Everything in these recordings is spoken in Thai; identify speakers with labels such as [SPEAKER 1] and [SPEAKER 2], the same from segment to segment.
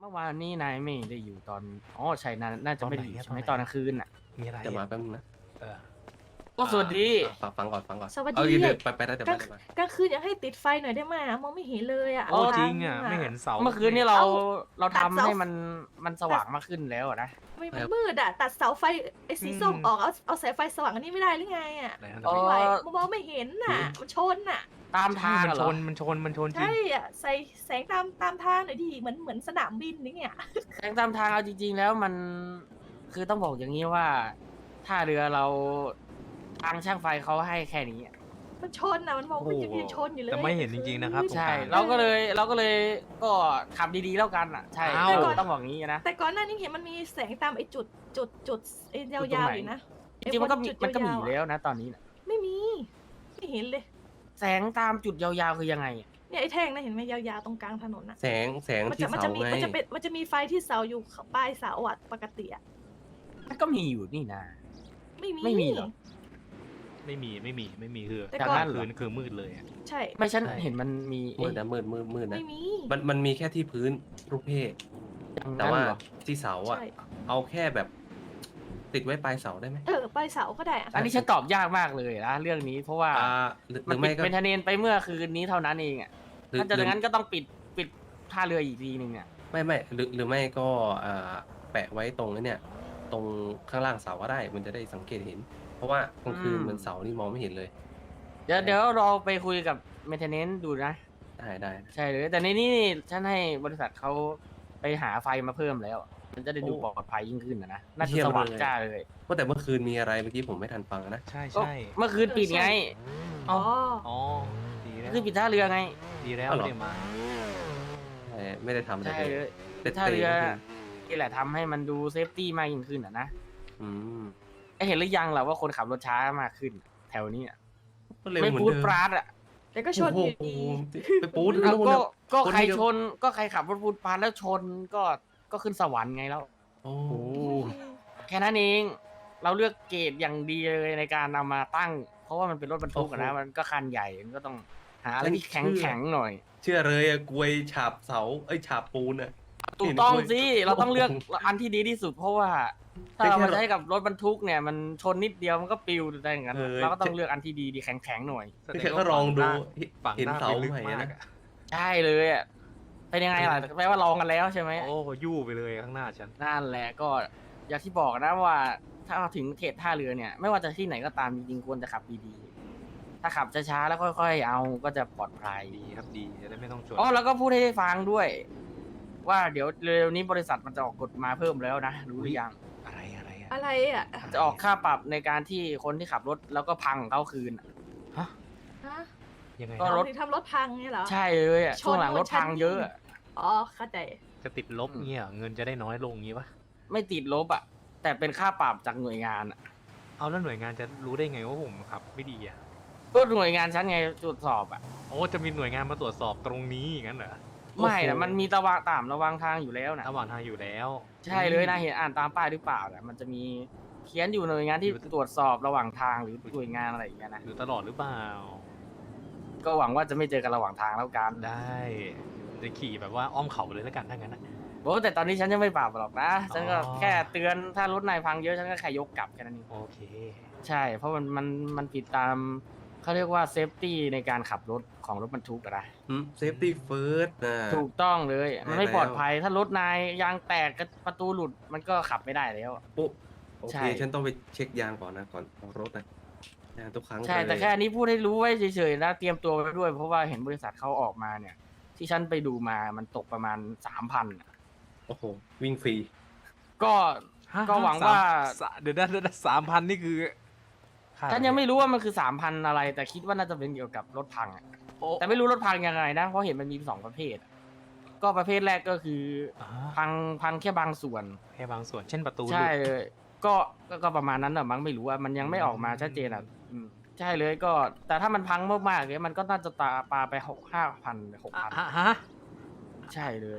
[SPEAKER 1] เมื่อวานนี้นายไม่ได้อยู่ตอนอ๋อใช่น่าจะไม่ได้อยู่
[SPEAKER 2] ตอนไหนอะ
[SPEAKER 1] ใช่ไหม
[SPEAKER 2] ต
[SPEAKER 1] ต
[SPEAKER 2] อ
[SPEAKER 1] อน น
[SPEAKER 2] ไหน
[SPEAKER 1] กลางคืนน่ะ
[SPEAKER 2] มีอะไร
[SPEAKER 3] จะมา
[SPEAKER 2] อะ
[SPEAKER 3] แป๊บนึงนะ
[SPEAKER 2] เออ
[SPEAKER 1] ก็สวัสดี
[SPEAKER 3] ฟังก่อนฟังก่อน
[SPEAKER 4] สวัส
[SPEAKER 3] เอา
[SPEAKER 4] ดี
[SPEAKER 3] เดี๋ยว
[SPEAKER 4] อะ
[SPEAKER 3] ไปได้เดี๋ยว
[SPEAKER 4] ก
[SPEAKER 3] ไป
[SPEAKER 4] ลาง
[SPEAKER 3] เดี๋ยวไป
[SPEAKER 4] กลางคืนอยากให้ติดไฟหน่อยได้ไหมอะมองไม่เห็นเลยอ่ะ
[SPEAKER 2] โอ้
[SPEAKER 4] ทา
[SPEAKER 2] จริงอ่ะไม่เห็นเสา
[SPEAKER 1] เมื่อคืนนี้เรา
[SPEAKER 4] เอา
[SPEAKER 1] เรา
[SPEAKER 4] ตัด
[SPEAKER 1] ทำ
[SPEAKER 4] เสา
[SPEAKER 1] ให้มันสว่างมากขึ้นแล้วอะนะ
[SPEAKER 4] ไม่มันมืดอ่ะ ตัดเสาไฟไอ้สีส้มออกเอาสายไฟสว่างอันนี้ไม่ได้หรือไงอ่ะ
[SPEAKER 2] อะไรนะ
[SPEAKER 1] เออ
[SPEAKER 4] ไม่ไหวมองไม่เห็นน่ะ มันชนน่ะ
[SPEAKER 1] ตามทาง
[SPEAKER 2] มัน
[SPEAKER 1] อะเห
[SPEAKER 2] ช
[SPEAKER 1] รอ
[SPEAKER 2] นมันชนจริง
[SPEAKER 4] ใช่อ่ะใส่แสงตามทางหน่อยดิเหมือนสนามบินนี่ไง
[SPEAKER 1] แสงตามทางเอาจริง ๆ แล้วมันคือต้องบอกอย่างนี้ว่าท่าเรือเราทางช่างไฟเขาให้แค่นี้อะ
[SPEAKER 4] มันชนน่ะมันมองไม่เห็นยังชนอยู่เลย
[SPEAKER 2] แต่ไม่เห็นจริงๆนะครับ
[SPEAKER 1] ใช่
[SPEAKER 2] ตรงกลาง
[SPEAKER 1] เราก็เลยก็ขับดีๆแล้วกันอ่ะใช่
[SPEAKER 2] อ้าว
[SPEAKER 1] ต้องบอกงี้นะ
[SPEAKER 4] แต่ก่อนหน้านี้เห็นมันมีแสงตามไอ้จุดไอ้ยาวๆอยู่นะ
[SPEAKER 1] จริงๆมันก็มี
[SPEAKER 4] จุด
[SPEAKER 1] มันก็มี
[SPEAKER 4] ยา
[SPEAKER 1] อ
[SPEAKER 4] วๆ
[SPEAKER 1] ยู่แล้วนะตอนนี้น่ะ
[SPEAKER 4] ไม่มีไม่เห็นเลย
[SPEAKER 1] แสงตามจุดยาวๆคือยังไงอะ
[SPEAKER 4] เนี่ยไอ้แท่งนะเห็นไหมยาวๆตรงกลางถนนน่ะ
[SPEAKER 3] แสง
[SPEAKER 4] มัน
[SPEAKER 3] ที่
[SPEAKER 4] จะ
[SPEAKER 3] เสาไง
[SPEAKER 4] มันจะมีไฟที่เสาอยู่ปลายเสาอ่ะปกติอ่ะ
[SPEAKER 1] มันก็มีอยู่นี่นะ
[SPEAKER 4] ไม่มี
[SPEAKER 1] เหรอ
[SPEAKER 2] ไม่มีคือ
[SPEAKER 4] แต่
[SPEAKER 1] จาก
[SPEAKER 4] ก่อน
[SPEAKER 1] นั้นเหร
[SPEAKER 2] คื
[SPEAKER 1] อ
[SPEAKER 2] นคือมืดเลยอะ
[SPEAKER 4] ใช่
[SPEAKER 1] ไม่ฉัน
[SPEAKER 2] ใช่
[SPEAKER 1] เห็นมันมี
[SPEAKER 3] มืดนะมืดนะ
[SPEAKER 4] ไม่มี
[SPEAKER 3] มันมีแค่ที่พื้นรูปเพศ
[SPEAKER 1] อย่าง
[SPEAKER 3] แต่
[SPEAKER 1] นั้น
[SPEAKER 3] ว่า
[SPEAKER 1] เหรอ
[SPEAKER 3] ที่เสาอ่ะ
[SPEAKER 4] ใช่
[SPEAKER 3] เอาแค่แบบ ติดไว้ปลายเสาได้ไหม
[SPEAKER 4] ปลายเสาก็ได้อะ
[SPEAKER 1] อันนี้ฉันตอบยากมากเลยนะเรื่องนี้เพราะว่า
[SPEAKER 3] หรือ
[SPEAKER 1] มัน
[SPEAKER 3] ไม่
[SPEAKER 1] ปิด
[SPEAKER 3] ก็
[SPEAKER 1] เป็นทะเนนไปเมื่อคืนนี้เท่านั้นเองอ่ะ
[SPEAKER 3] หรือ
[SPEAKER 1] ถ้าจะอย่างนั้นก็ต้องปิดท่าเรืออีกทีหนึ่งอ่ะ
[SPEAKER 3] ไม่หรือไม่ก็แปะไว้ตรงนี้เนี่ย ตรงข้างล่างเสาก็ได้ มันจะได้สังเกตเห็น เพราะว่ากลางคืนมันเสานี่มองไม่เห็นเลย
[SPEAKER 1] เดี๋ยวเราไปคุยกับเมนเทนเนนซ์ดูนะ
[SPEAKER 3] ได้
[SPEAKER 1] ใช่เลยแต่ในนี้นี่ฉันให้บริษัทเขาไปหาไฟมาเพิ่มแล้ว มันจะได้ดูปลอดภัยยิ่งขึ้นนะน่าจะสว่างจ้าเลย
[SPEAKER 3] ว่าแต่เมื่อคืนมีอะไรเมื่อกี้ผมไม่ทันฟังนะ
[SPEAKER 2] ใช่
[SPEAKER 1] ก็
[SPEAKER 2] ใช่
[SPEAKER 1] เมื่อคืนปิดไง
[SPEAKER 4] อ๋อ
[SPEAKER 2] อ๋อดีแล้ว
[SPEAKER 1] คือปิดท่าเรือไง
[SPEAKER 2] ดีแล้ว
[SPEAKER 3] อ๋อเหรอ
[SPEAKER 2] ไม่ได้มา
[SPEAKER 3] ไม่ได้ทำอะไร
[SPEAKER 1] ใช่
[SPEAKER 3] เล
[SPEAKER 1] เลย ย
[SPEAKER 3] เตะ
[SPEAKER 1] ท่าเรือ
[SPEAKER 3] เมื่อคืน
[SPEAKER 1] นี่แหละทำให้มันดูเซฟตี้มากยิ่งขึ้นอ่ะนะ
[SPEAKER 3] อืม
[SPEAKER 1] เห็นหรือยังล่ะว่าคนขับรถช้ามากขึ้น แถวนี้อะ
[SPEAKER 3] ก็เร็ว
[SPEAKER 1] ไม่
[SPEAKER 3] เหมือน
[SPEAKER 1] พูด
[SPEAKER 3] เดิม
[SPEAKER 1] ปราดอ่ะ
[SPEAKER 4] แต่ก็ชนอยู่ดี
[SPEAKER 3] ไปปูด
[SPEAKER 1] อ้าว
[SPEAKER 3] นู่น
[SPEAKER 1] ก็
[SPEAKER 3] น่ะ
[SPEAKER 1] ก็
[SPEAKER 3] คน
[SPEAKER 1] ใคร
[SPEAKER 3] เดียว
[SPEAKER 1] ชนก็ใครขับรถพูดปราดแล้วชนก็ขึ้นสวรรค์ไงแล้ว
[SPEAKER 3] โอ้
[SPEAKER 1] แค่นั้นเองเราเลือกเกรดอย่างดีเลยในการนำมาตั้ง เพราะว่ามันเป็นรถบรรทุกอะนะมันก็คันใหญ่มันก็ต้องหาอะไรที่แข็งหน่อย
[SPEAKER 3] เชื่อเลยอะกลวยฉาบเสาฉาบปูนอะ
[SPEAKER 1] ถูกต้อง
[SPEAKER 3] เห็นด้วย
[SPEAKER 1] สิเราต้องเลือกอันที่ดีที่สุด เพราะว่าถ้าเรามาใช้กับรถบรรทุกเนี่ย มันชนนิดเดียวมันก็ปลิวได้อย่างนั้นเราก็ต้องเลือกอันที่ดีแข็งหน่อย
[SPEAKER 3] แค่ก็ลองดู
[SPEAKER 2] ฝั่ง
[SPEAKER 3] เห็น
[SPEAKER 2] หน้า
[SPEAKER 3] เสา
[SPEAKER 2] ไปลึก
[SPEAKER 3] ใหม่
[SPEAKER 2] มาก
[SPEAKER 3] นะ
[SPEAKER 2] อะ
[SPEAKER 1] ใช่เลยอ่ะเป็นยังไงล่ะแปลว่าลองกันแล้วใช่ไหม
[SPEAKER 2] โอ้ยู่ไปเลยข้างหน้าฉัน
[SPEAKER 1] นั่นแหละก็อย่างที่บอกนะว่า ถ้าถึงเขตท่าเรือเนี่ย ไม่ว่าจะที่ไหนก็ตามจริงๆควรจะขับดีๆถ้าขับช้าๆแล้วค่อยๆเอาก็จะปลอดภัย
[SPEAKER 2] ดีครับดีจะได้ไม่ต้องชน
[SPEAKER 1] อ๋อแล้วก็พูดให้ได้ฟังด้วย ว่าเดี๋ยวเร็วๆนี้บริษัทมันจะออกกฎมาเพิ่มแล้วนะรู้หรือยัง
[SPEAKER 2] อะไรอะ
[SPEAKER 4] อะไรอ่ะ
[SPEAKER 1] จะออกค่าปรับในการที่คนที่ขับรถแล้วก็พังเขาคืนอะ
[SPEAKER 2] ฮะ
[SPEAKER 4] ฮะ
[SPEAKER 2] ยังไง
[SPEAKER 1] ก็
[SPEAKER 2] นะ
[SPEAKER 1] รถ
[SPEAKER 4] ถึงทำรถพังเนี่ยเหรอ
[SPEAKER 1] ใช่เลยอ่ะ
[SPEAKER 4] ชน
[SPEAKER 1] ช่วงหลังรถพังเยอะอะ
[SPEAKER 4] อ๋อเข้าใจ
[SPEAKER 2] จะติดลบเงี้ยเหรอเงินจะได้น้อยลงงี้ปะ
[SPEAKER 1] ไม่ติดลบอ่ะ แต่เป็นค่าปรับจากหน่วยงานอะ
[SPEAKER 2] เอาแล้วหน่วยงานจะรู้ได้ไงว่าผมขับไม่ดีอ่ะ
[SPEAKER 1] ก็หน่วยงานฉันไงตรวจสอบอ่ะ
[SPEAKER 2] โอ้จะมีหน่วยงานมาตรวจสอบตรงนี้อย่างนั้นเหรอ
[SPEAKER 1] ไม่นะมันมีระวังทางอยู่แล้วนะ
[SPEAKER 2] ระหว่างทางอยู่แล้ว
[SPEAKER 1] ใช่เลยนะเห็นอ่านตามป้ายหรือเปล่านะมันจะมีเขียนอยู่หน่วยงานที่ตรวจสอบระหว่างทางหรือหน่วยงานอะไรอย่างเงี้ยนะ
[SPEAKER 2] หรือตลอดหรือเปล่า
[SPEAKER 1] ก็หวังว่าจะไม่เจอกันระหว่างทางแล้วกัน
[SPEAKER 2] ได้จะขี่แบบว่าอ้อมเขาเลยแล้วกันถ้างั้นนะ
[SPEAKER 1] โอ้แต่ตอนนี้ฉันยังไม่ปรับหรอกนะฉันก็
[SPEAKER 2] อ๋อ
[SPEAKER 1] แค่เตือนถ้ารถนายพังเยอะฉันก็แค่ยกกลับแค่นั้นเอง
[SPEAKER 2] โอเค
[SPEAKER 1] ใช่ เพราะมันผิดตามเขาเรียกว่าเซฟตี้ในการขับรถของรถบรรทุกอะนะ
[SPEAKER 3] เซฟตี้เฟิร์สนะ
[SPEAKER 1] ถูกต้องเลย มันไม่
[SPEAKER 3] แล้ว
[SPEAKER 1] ปลอดภัยถ้ารถนายยางแตกประตูหลุดมันก็ขับไม่ได้แล้ว
[SPEAKER 3] ปุ๊บโอ
[SPEAKER 1] ใช่
[SPEAKER 3] เคฉันต้องไปเช็คยางก่อนนะก่อนออกรถนะยางทุกครั้ง
[SPEAKER 1] ใช่
[SPEAKER 3] เลย
[SPEAKER 1] แต่แค่อันนี้พูดให้รู้ไว้เฉยๆนะเตรียมตัวไว้ด้วย เพราะว่าเห็นบริษัทเขาออกมาเนี่ย ที่ฉันไปดูมามันตกประมาณ 3,000
[SPEAKER 3] โอ้โหวิ่งฟรี
[SPEAKER 1] ก็ ก็หวังว่า
[SPEAKER 2] เดี๋ยวนะ3,000นี่คือค่า
[SPEAKER 1] ฉันยังไม่รู้ว่ามันคือ 3,000 อะไร แต่คิดว่าน่าจะเป็นเกี่ยวกับรถพังอะ
[SPEAKER 2] โอ้
[SPEAKER 1] แต่ไม่รู้รถพังยังไงนะ เพราะเห็นมันมี2ประเภทอะก็ประเภทแรกก็คือ
[SPEAKER 2] อ่า
[SPEAKER 1] พังแค่บางส่วน
[SPEAKER 2] แค่บางส่วนเช่นประตู
[SPEAKER 1] ใช่
[SPEAKER 2] หลุด
[SPEAKER 1] เลยก็ประมาณนั้นแหละมั้งไม่รู้ว่ามันยังไม่ออกมาชัดเจนอ่ะใช่เลยก็ แต่ถ้ามันพังมากๆเนี่ยมันก็น่าจะปาไป5,000 6,000
[SPEAKER 2] ฮะ
[SPEAKER 1] ใช่เลย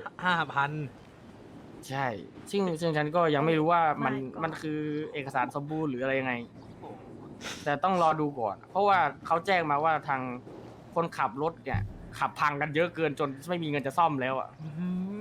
[SPEAKER 2] 5,000
[SPEAKER 1] ใช่ ซึ่งฉันก็ยังไม่รู้ว่ามัน
[SPEAKER 4] ไม่ก็
[SPEAKER 1] มันคือเอกสารสมบูรณ์หรืออะไรยังไง แต่ต้องรอดูก่อน เพราะว่าเขาแจ้งมาว่าทางคนขับรถเนี่ย ขับพังกันเยอะเกินจนไม่มีเงินจะซ่อมแล้วอ่ะ
[SPEAKER 2] อื้อหือ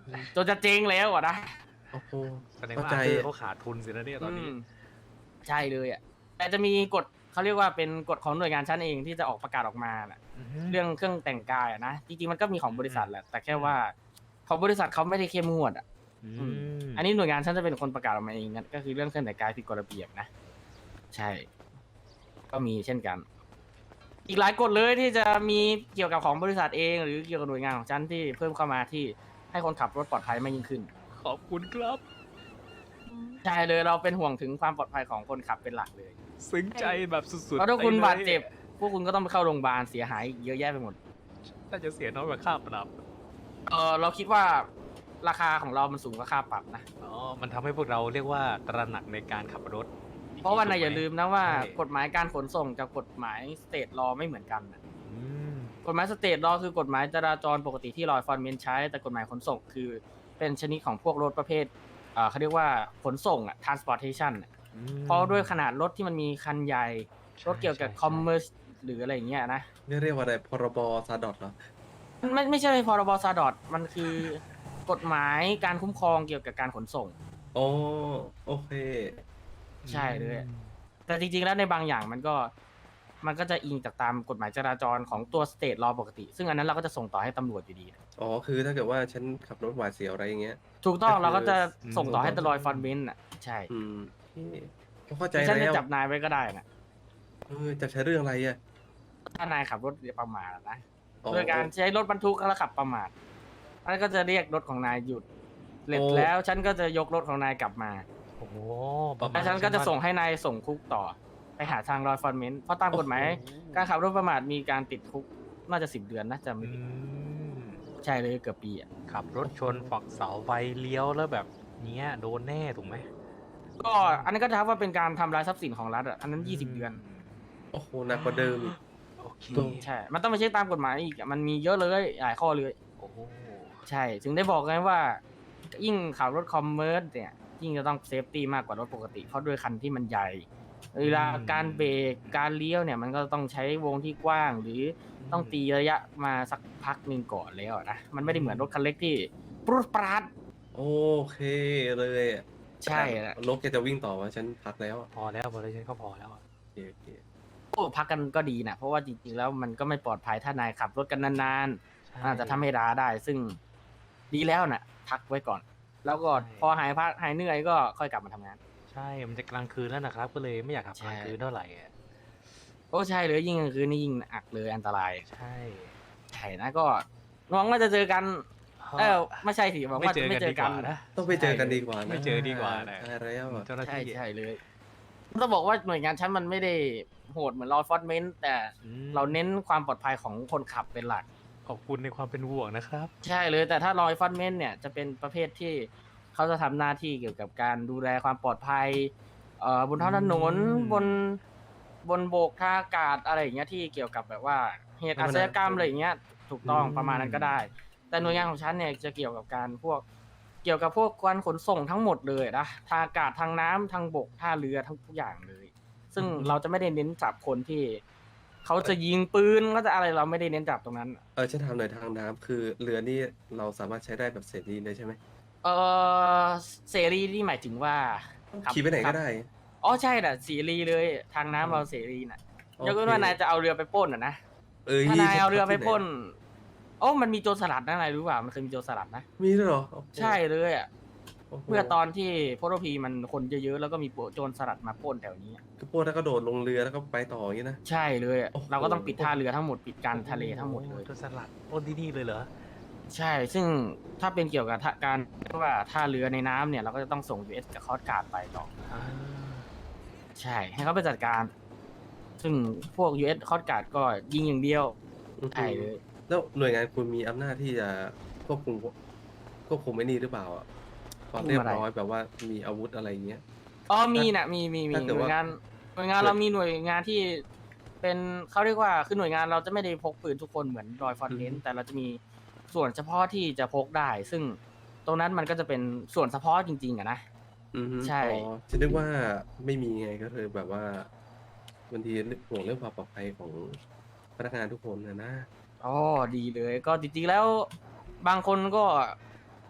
[SPEAKER 1] จนจะเจ๊งแล้วอะนะ
[SPEAKER 3] โอ้โห
[SPEAKER 2] แสดง
[SPEAKER 3] เข้า
[SPEAKER 2] ว่า
[SPEAKER 3] ใจ
[SPEAKER 2] เขาขาดทุนสินะเนี่ยตอนนี้
[SPEAKER 1] มใช่เลยอ่ะแต่จะมีกฎเขาเรียกว่าเป็นกฎของหน่วยงานชั้นเองที่จะออกประกาศออกมาน่ะ เรื่องเครื่องแต่งกายอะนะจริงๆมันก็มีของบริษัทแหละแต่แค่ว่าของบริษัทเขาไม่ได้เข้มงวดอ่ะ อันนี้หน่วยงานฉันจะเป็นคนประกาศออกมาเองนะก็คือเรื่องเครื่องแต่งกายผิดกฎระเบียบนะใช่ ก็มีเช่นกัน อีกหลายกฎเลยที่จะมีเกี่ยวกับของบริษัทเอง หรือเกี่ยวกับหน่วยงานของฉันที่เพิ่มเข้ามาที่ให้คนขับรถปลอดภัยมากยิ่งขึ้น
[SPEAKER 2] ขอบคุณครับ
[SPEAKER 1] ใช่เลยเราเป็นห่วงถึงความปลอดภัยของคนขับเป็นหลักเลย
[SPEAKER 2] ซึ้งใจแบบสุดๆ
[SPEAKER 1] เพราะถ้าคุณ
[SPEAKER 2] ไปลย
[SPEAKER 1] บาดเจ็บ พวกคุณก็ต้องไปเข้าโรงพยาบาลเสียหายอีกเยอะแยะไปหมด
[SPEAKER 2] น่าจะเสียน้อยกว่าค่าปรับ
[SPEAKER 1] เราคิดว่าราคาของเรามันสูงกว่าค่าปรับนะ
[SPEAKER 2] อ๋อ มันทำให้พวกเราเรียกว่าตระหนักในการขับรถ
[SPEAKER 1] เพราะว่านายอย่าลืมนะว่า
[SPEAKER 2] ใช่
[SPEAKER 1] กฎหมายการขนส่งกับกฎหมายสเตทลอไม่เหมือนกันนะ
[SPEAKER 2] อืม
[SPEAKER 1] กฎหมายสเตทลอคือกฎหมายจราจรปกติที่ลอยฟอนเมนใช้ แต่กฎหมายขนส่งคือเป็นชนิดของพวกรถประเภทเขาเรียกว่าขนส่งอะ transportation อะเพราะด้วยขนาดรถที่มันมีคันใหญ่ รถเกี่ยวกับ commerce หรืออะไรอย่างเงี้ยนะ
[SPEAKER 3] เรียกว่าอะไรพรบซาดอทเหรอ
[SPEAKER 1] ไม่ใช่พรบซาดอทมันคือกฎหมายการคุ้มครองเกี่ยวกับการขนส่ง
[SPEAKER 3] โอ้โอเค
[SPEAKER 1] ใช่เลย แต่จริงๆ แล้วในบางอย่างมันก็จะอิงจากตามกฎหมายจราจรของตัวสเตทลอปกติ ซึ่งอันนั้นเราก็จะส่งต่อให้ตำรวจอยู่ดี
[SPEAKER 3] อ๋อคือถ้าเกิดว่าฉันขับรถหวาดเสียวอะไรอย่างเงี้ย
[SPEAKER 1] ถูกต้อง
[SPEAKER 3] ก็คือ
[SPEAKER 1] เราก็จะส่งต่อให้ตลอยฟอนเบนอ่ะ ใช่
[SPEAKER 3] อืมโอเคเข้าใจ
[SPEAKER 1] ฉันจะ
[SPEAKER 3] แล้ว
[SPEAKER 1] จับนายไว้ก็ได้นะ
[SPEAKER 3] จับใช้เรื่องอะไรอ่ะ
[SPEAKER 1] ถ้านายขับรถประมาทอะนะ
[SPEAKER 3] อ๋อ
[SPEAKER 1] โดยการใช้รถบรรทุกแล้วขับประมาทอันก็จะเรียกรถของนายหยุดเสร็จ
[SPEAKER 3] โอ้
[SPEAKER 1] แล้วฉันก็จะยกรถของนายกลับมา
[SPEAKER 2] โอ้โหประมา
[SPEAKER 1] แล้ว
[SPEAKER 2] ณ
[SPEAKER 1] ฉันก็จะส่งให้นายส่งคุกต่อ ไปหาทางลอยฟอนเมนเพราะตามกฎหมาย การขับรถประมาทมีการติดคุกน่าจะ10 เดือนนะจำไม่
[SPEAKER 2] อื
[SPEAKER 1] ผิด
[SPEAKER 2] ม
[SPEAKER 1] ใช่เลยเกือบปีอ่ะ
[SPEAKER 2] ขับรถชนฝักเสาไฟเลี้ยวแล้วแบบเนี้ยโดนแน่ถูกไหม
[SPEAKER 1] ก็อันนั้นก็ถือว่าเป็นการทำลายทรัพย์สินของรัฐอ่ะอันนั้น20 เดือน
[SPEAKER 3] โอ้โหหนักกว่าเดิมอีก
[SPEAKER 2] โอเค
[SPEAKER 1] ใช่ มันต้องไปเช็คตามกฎหมายอีกอะมันมีเยอะเลยหลายข้อเลย
[SPEAKER 2] โอ้โห
[SPEAKER 1] ใช่ ถึงได้บอกไงว่า ยิ่งขับรถคอมเมอร์สเนี่ยยิ่งจะต้องเซฟตี้มากกว่ารถปกติเพราะด้วยคันที่มันใหญ่เวลาการเบรกการเลี้ยวเนี่ยมันก็ต้องใช้วงที่กว้าง หรือต้องตีระยะมาสักพักหนึ่งก่อนแล้วนะมันไม่ได้เหมือนรถคันเล็กที่ปรุดปราด
[SPEAKER 3] โอเคเลยอะ
[SPEAKER 1] ใช่แหละ
[SPEAKER 3] รถแกจะวิ่งต่อวะฉันพักแล้วอะ
[SPEAKER 2] พอแล้วพอแล้วฉันก็พอแล้วอะ
[SPEAKER 3] โอเคโอเค
[SPEAKER 1] โอ้พักกันก็ดีนะเพราะว่าจริงๆแล้วมันก็ไม่ปลอดภัยถ้านายขับรถกันนานๆ
[SPEAKER 2] ใช่
[SPEAKER 1] อาจจะทำให้ร้าได้ ซึ่งดีแล้วนะพักไว้ก่อน แล้วก็
[SPEAKER 2] ใช่
[SPEAKER 1] พอหายพักหายเหนื่อยก็ค่อยกลับมาทำงาน
[SPEAKER 2] ใช่ มันจะกลางคืนแล้วนะครับ ก็เลยไม่อยากขับกลางคืนเท่าไหร่อะ
[SPEAKER 1] โอ้ใช่เลยยิ่งกลางคืนนี่ยิ่งอักเลยอันตราย
[SPEAKER 2] ใช่
[SPEAKER 1] ใช่นะก็หวังว่าจะเจอกัน ไม่ใช่สิหวัง
[SPEAKER 2] ไม่
[SPEAKER 1] ว่า
[SPEAKER 2] เจ
[SPEAKER 1] จะ
[SPEAKER 2] อ
[SPEAKER 1] ไม่
[SPEAKER 2] กัน
[SPEAKER 1] เจ
[SPEAKER 2] ดี
[SPEAKER 1] อก กั
[SPEAKER 2] ว่าน นะ
[SPEAKER 3] ต้องไปเจอกันดีกว่านะ
[SPEAKER 2] ไม่เจอดีกว่านะ
[SPEAKER 3] ใช่แล้วอะ
[SPEAKER 2] เจ้าหน้า
[SPEAKER 1] ใช่
[SPEAKER 2] ที่
[SPEAKER 1] ใช่เลยต้องบอกว่าหน่วยงานชั้นมันไม่ได้โหดเหมือนรอฟอร์เมนต์แต่
[SPEAKER 2] อืม
[SPEAKER 1] เราเน้นความปลอดภัยของคนขับเป็นหลัก
[SPEAKER 2] ขอบคุณในความเป็นห่วงนะครับ
[SPEAKER 1] ใช่เลยแต่ถ้ารอยฟอนเมนต์เนี่ยจะเป็นประเภทที่เขาจะทำหน้าที่เกี่ยวกับการดูแลความปลอดภัยบนท้องถนน
[SPEAKER 2] อืม
[SPEAKER 1] บนโบกท่าอากาศอะไรอย่างเงี้ยที่เกี่ยวกับแบบว่าเหตุอาชญากรรมอะไรอย่างเงี้ยถูกต้องประมาณนั้นก็ได้ แต่หน่วยงานของฉันเนี่ยจะเกี่ยวกับการเกี่ยวกับพวกการขนส่งทั้งหมดเลยนะทางอากาศทางน้ำทางบกท่าเรือทั้งทุกอย่างเลย ซึ่งเราจะไม่ได้เน้นจับคนที่เขาจะยิงปืนก็จะอะไรเราไม่ได้เน้นจับตรงนั้น
[SPEAKER 3] ฉันถามหน่อยทางน้ำคือเรือนี่เราสามารถใช้ได้แบบเสรีเลยใช่ไหม
[SPEAKER 1] เอเสรีนี่หมายถึงว่าขับ
[SPEAKER 3] ขี่ไปไหนก็ได้
[SPEAKER 1] อ๋อใช่น่ะเสรีเลยทางน้ำเราเสรีน่ะยกเว้นว่านายจะเอาเรือไปปล้นอ่ะนะถ้านายเอาเรือไปปล้นโอ้มันมีโจรสลัดนะนายรู้เปล่ามันเคยมีโจรสลัดนะ
[SPEAKER 3] มีด้วยเหรอโอ้โห
[SPEAKER 1] ใช่เลยอ่ะ
[SPEAKER 3] โอ้โห
[SPEAKER 1] เมื่อตอนที่โพโรพีมันคนเยอะๆแล้วก็มีโจรสลัดมาปล้นแถวนี้อะ
[SPEAKER 3] ก็พวกแล้วก็โดดลงเรือแล้วก็ไปต่ออย่างนี้นะ
[SPEAKER 1] ใช่เลยอะ
[SPEAKER 3] โอ้โห
[SPEAKER 1] เราก็ต้องปิดท่าเรือทั้งหมดปิดการทะเลทั้งหมดเลย
[SPEAKER 2] โจรสลัดปล้นที่นี่เลยเหรอ
[SPEAKER 1] ใช่ ซึ่งถ้าเป็นเกี่ยวกับการเรียกว่าท่าเรือในน้ำเนี่ยเราก็จะต้องส่ง US กับคอสการ์ดไปต่อ ใช่ ให้เขาไปจัดการ ซึ่งพวก US คอสการ์ดก็ยิงอย่างเดียวใช่เลย
[SPEAKER 3] แล้วหน่วยงานคุณมีอำนาจที่จะควบคุมไอ้นี่หรือเปล่าอะความเรียบร้อยแบบว่ามีอาวุธอะไรอย่างเงี้ย
[SPEAKER 1] อ๋อมีนะมีห
[SPEAKER 3] ถ้าเกิด
[SPEAKER 1] น่ว
[SPEAKER 3] ว่า
[SPEAKER 1] ยงานเรามีหน่วยงานที่เป็นเขาเรียกว่าคือหน่วยงานเราจะไม่ได้พกปืนทุกคนเหมือนรอยฟอนเทนแต่เราจะมีส่วนเฉพาะที่จะพกได้ ซึ่งตรงนั้นมันก็จะเป็นส่วนเฉพาะจริงๆอะนะ
[SPEAKER 3] อือฮึ
[SPEAKER 1] ใช่
[SPEAKER 3] อ๋อจะนึกว่าไม่มีไงก็เลยแบบว่าบางทีห่วงเรื่องความปลอดภัยของพนักงานทุกคนนะ
[SPEAKER 1] อ๋อดีเลยก็จริงๆแล้วบางคนก็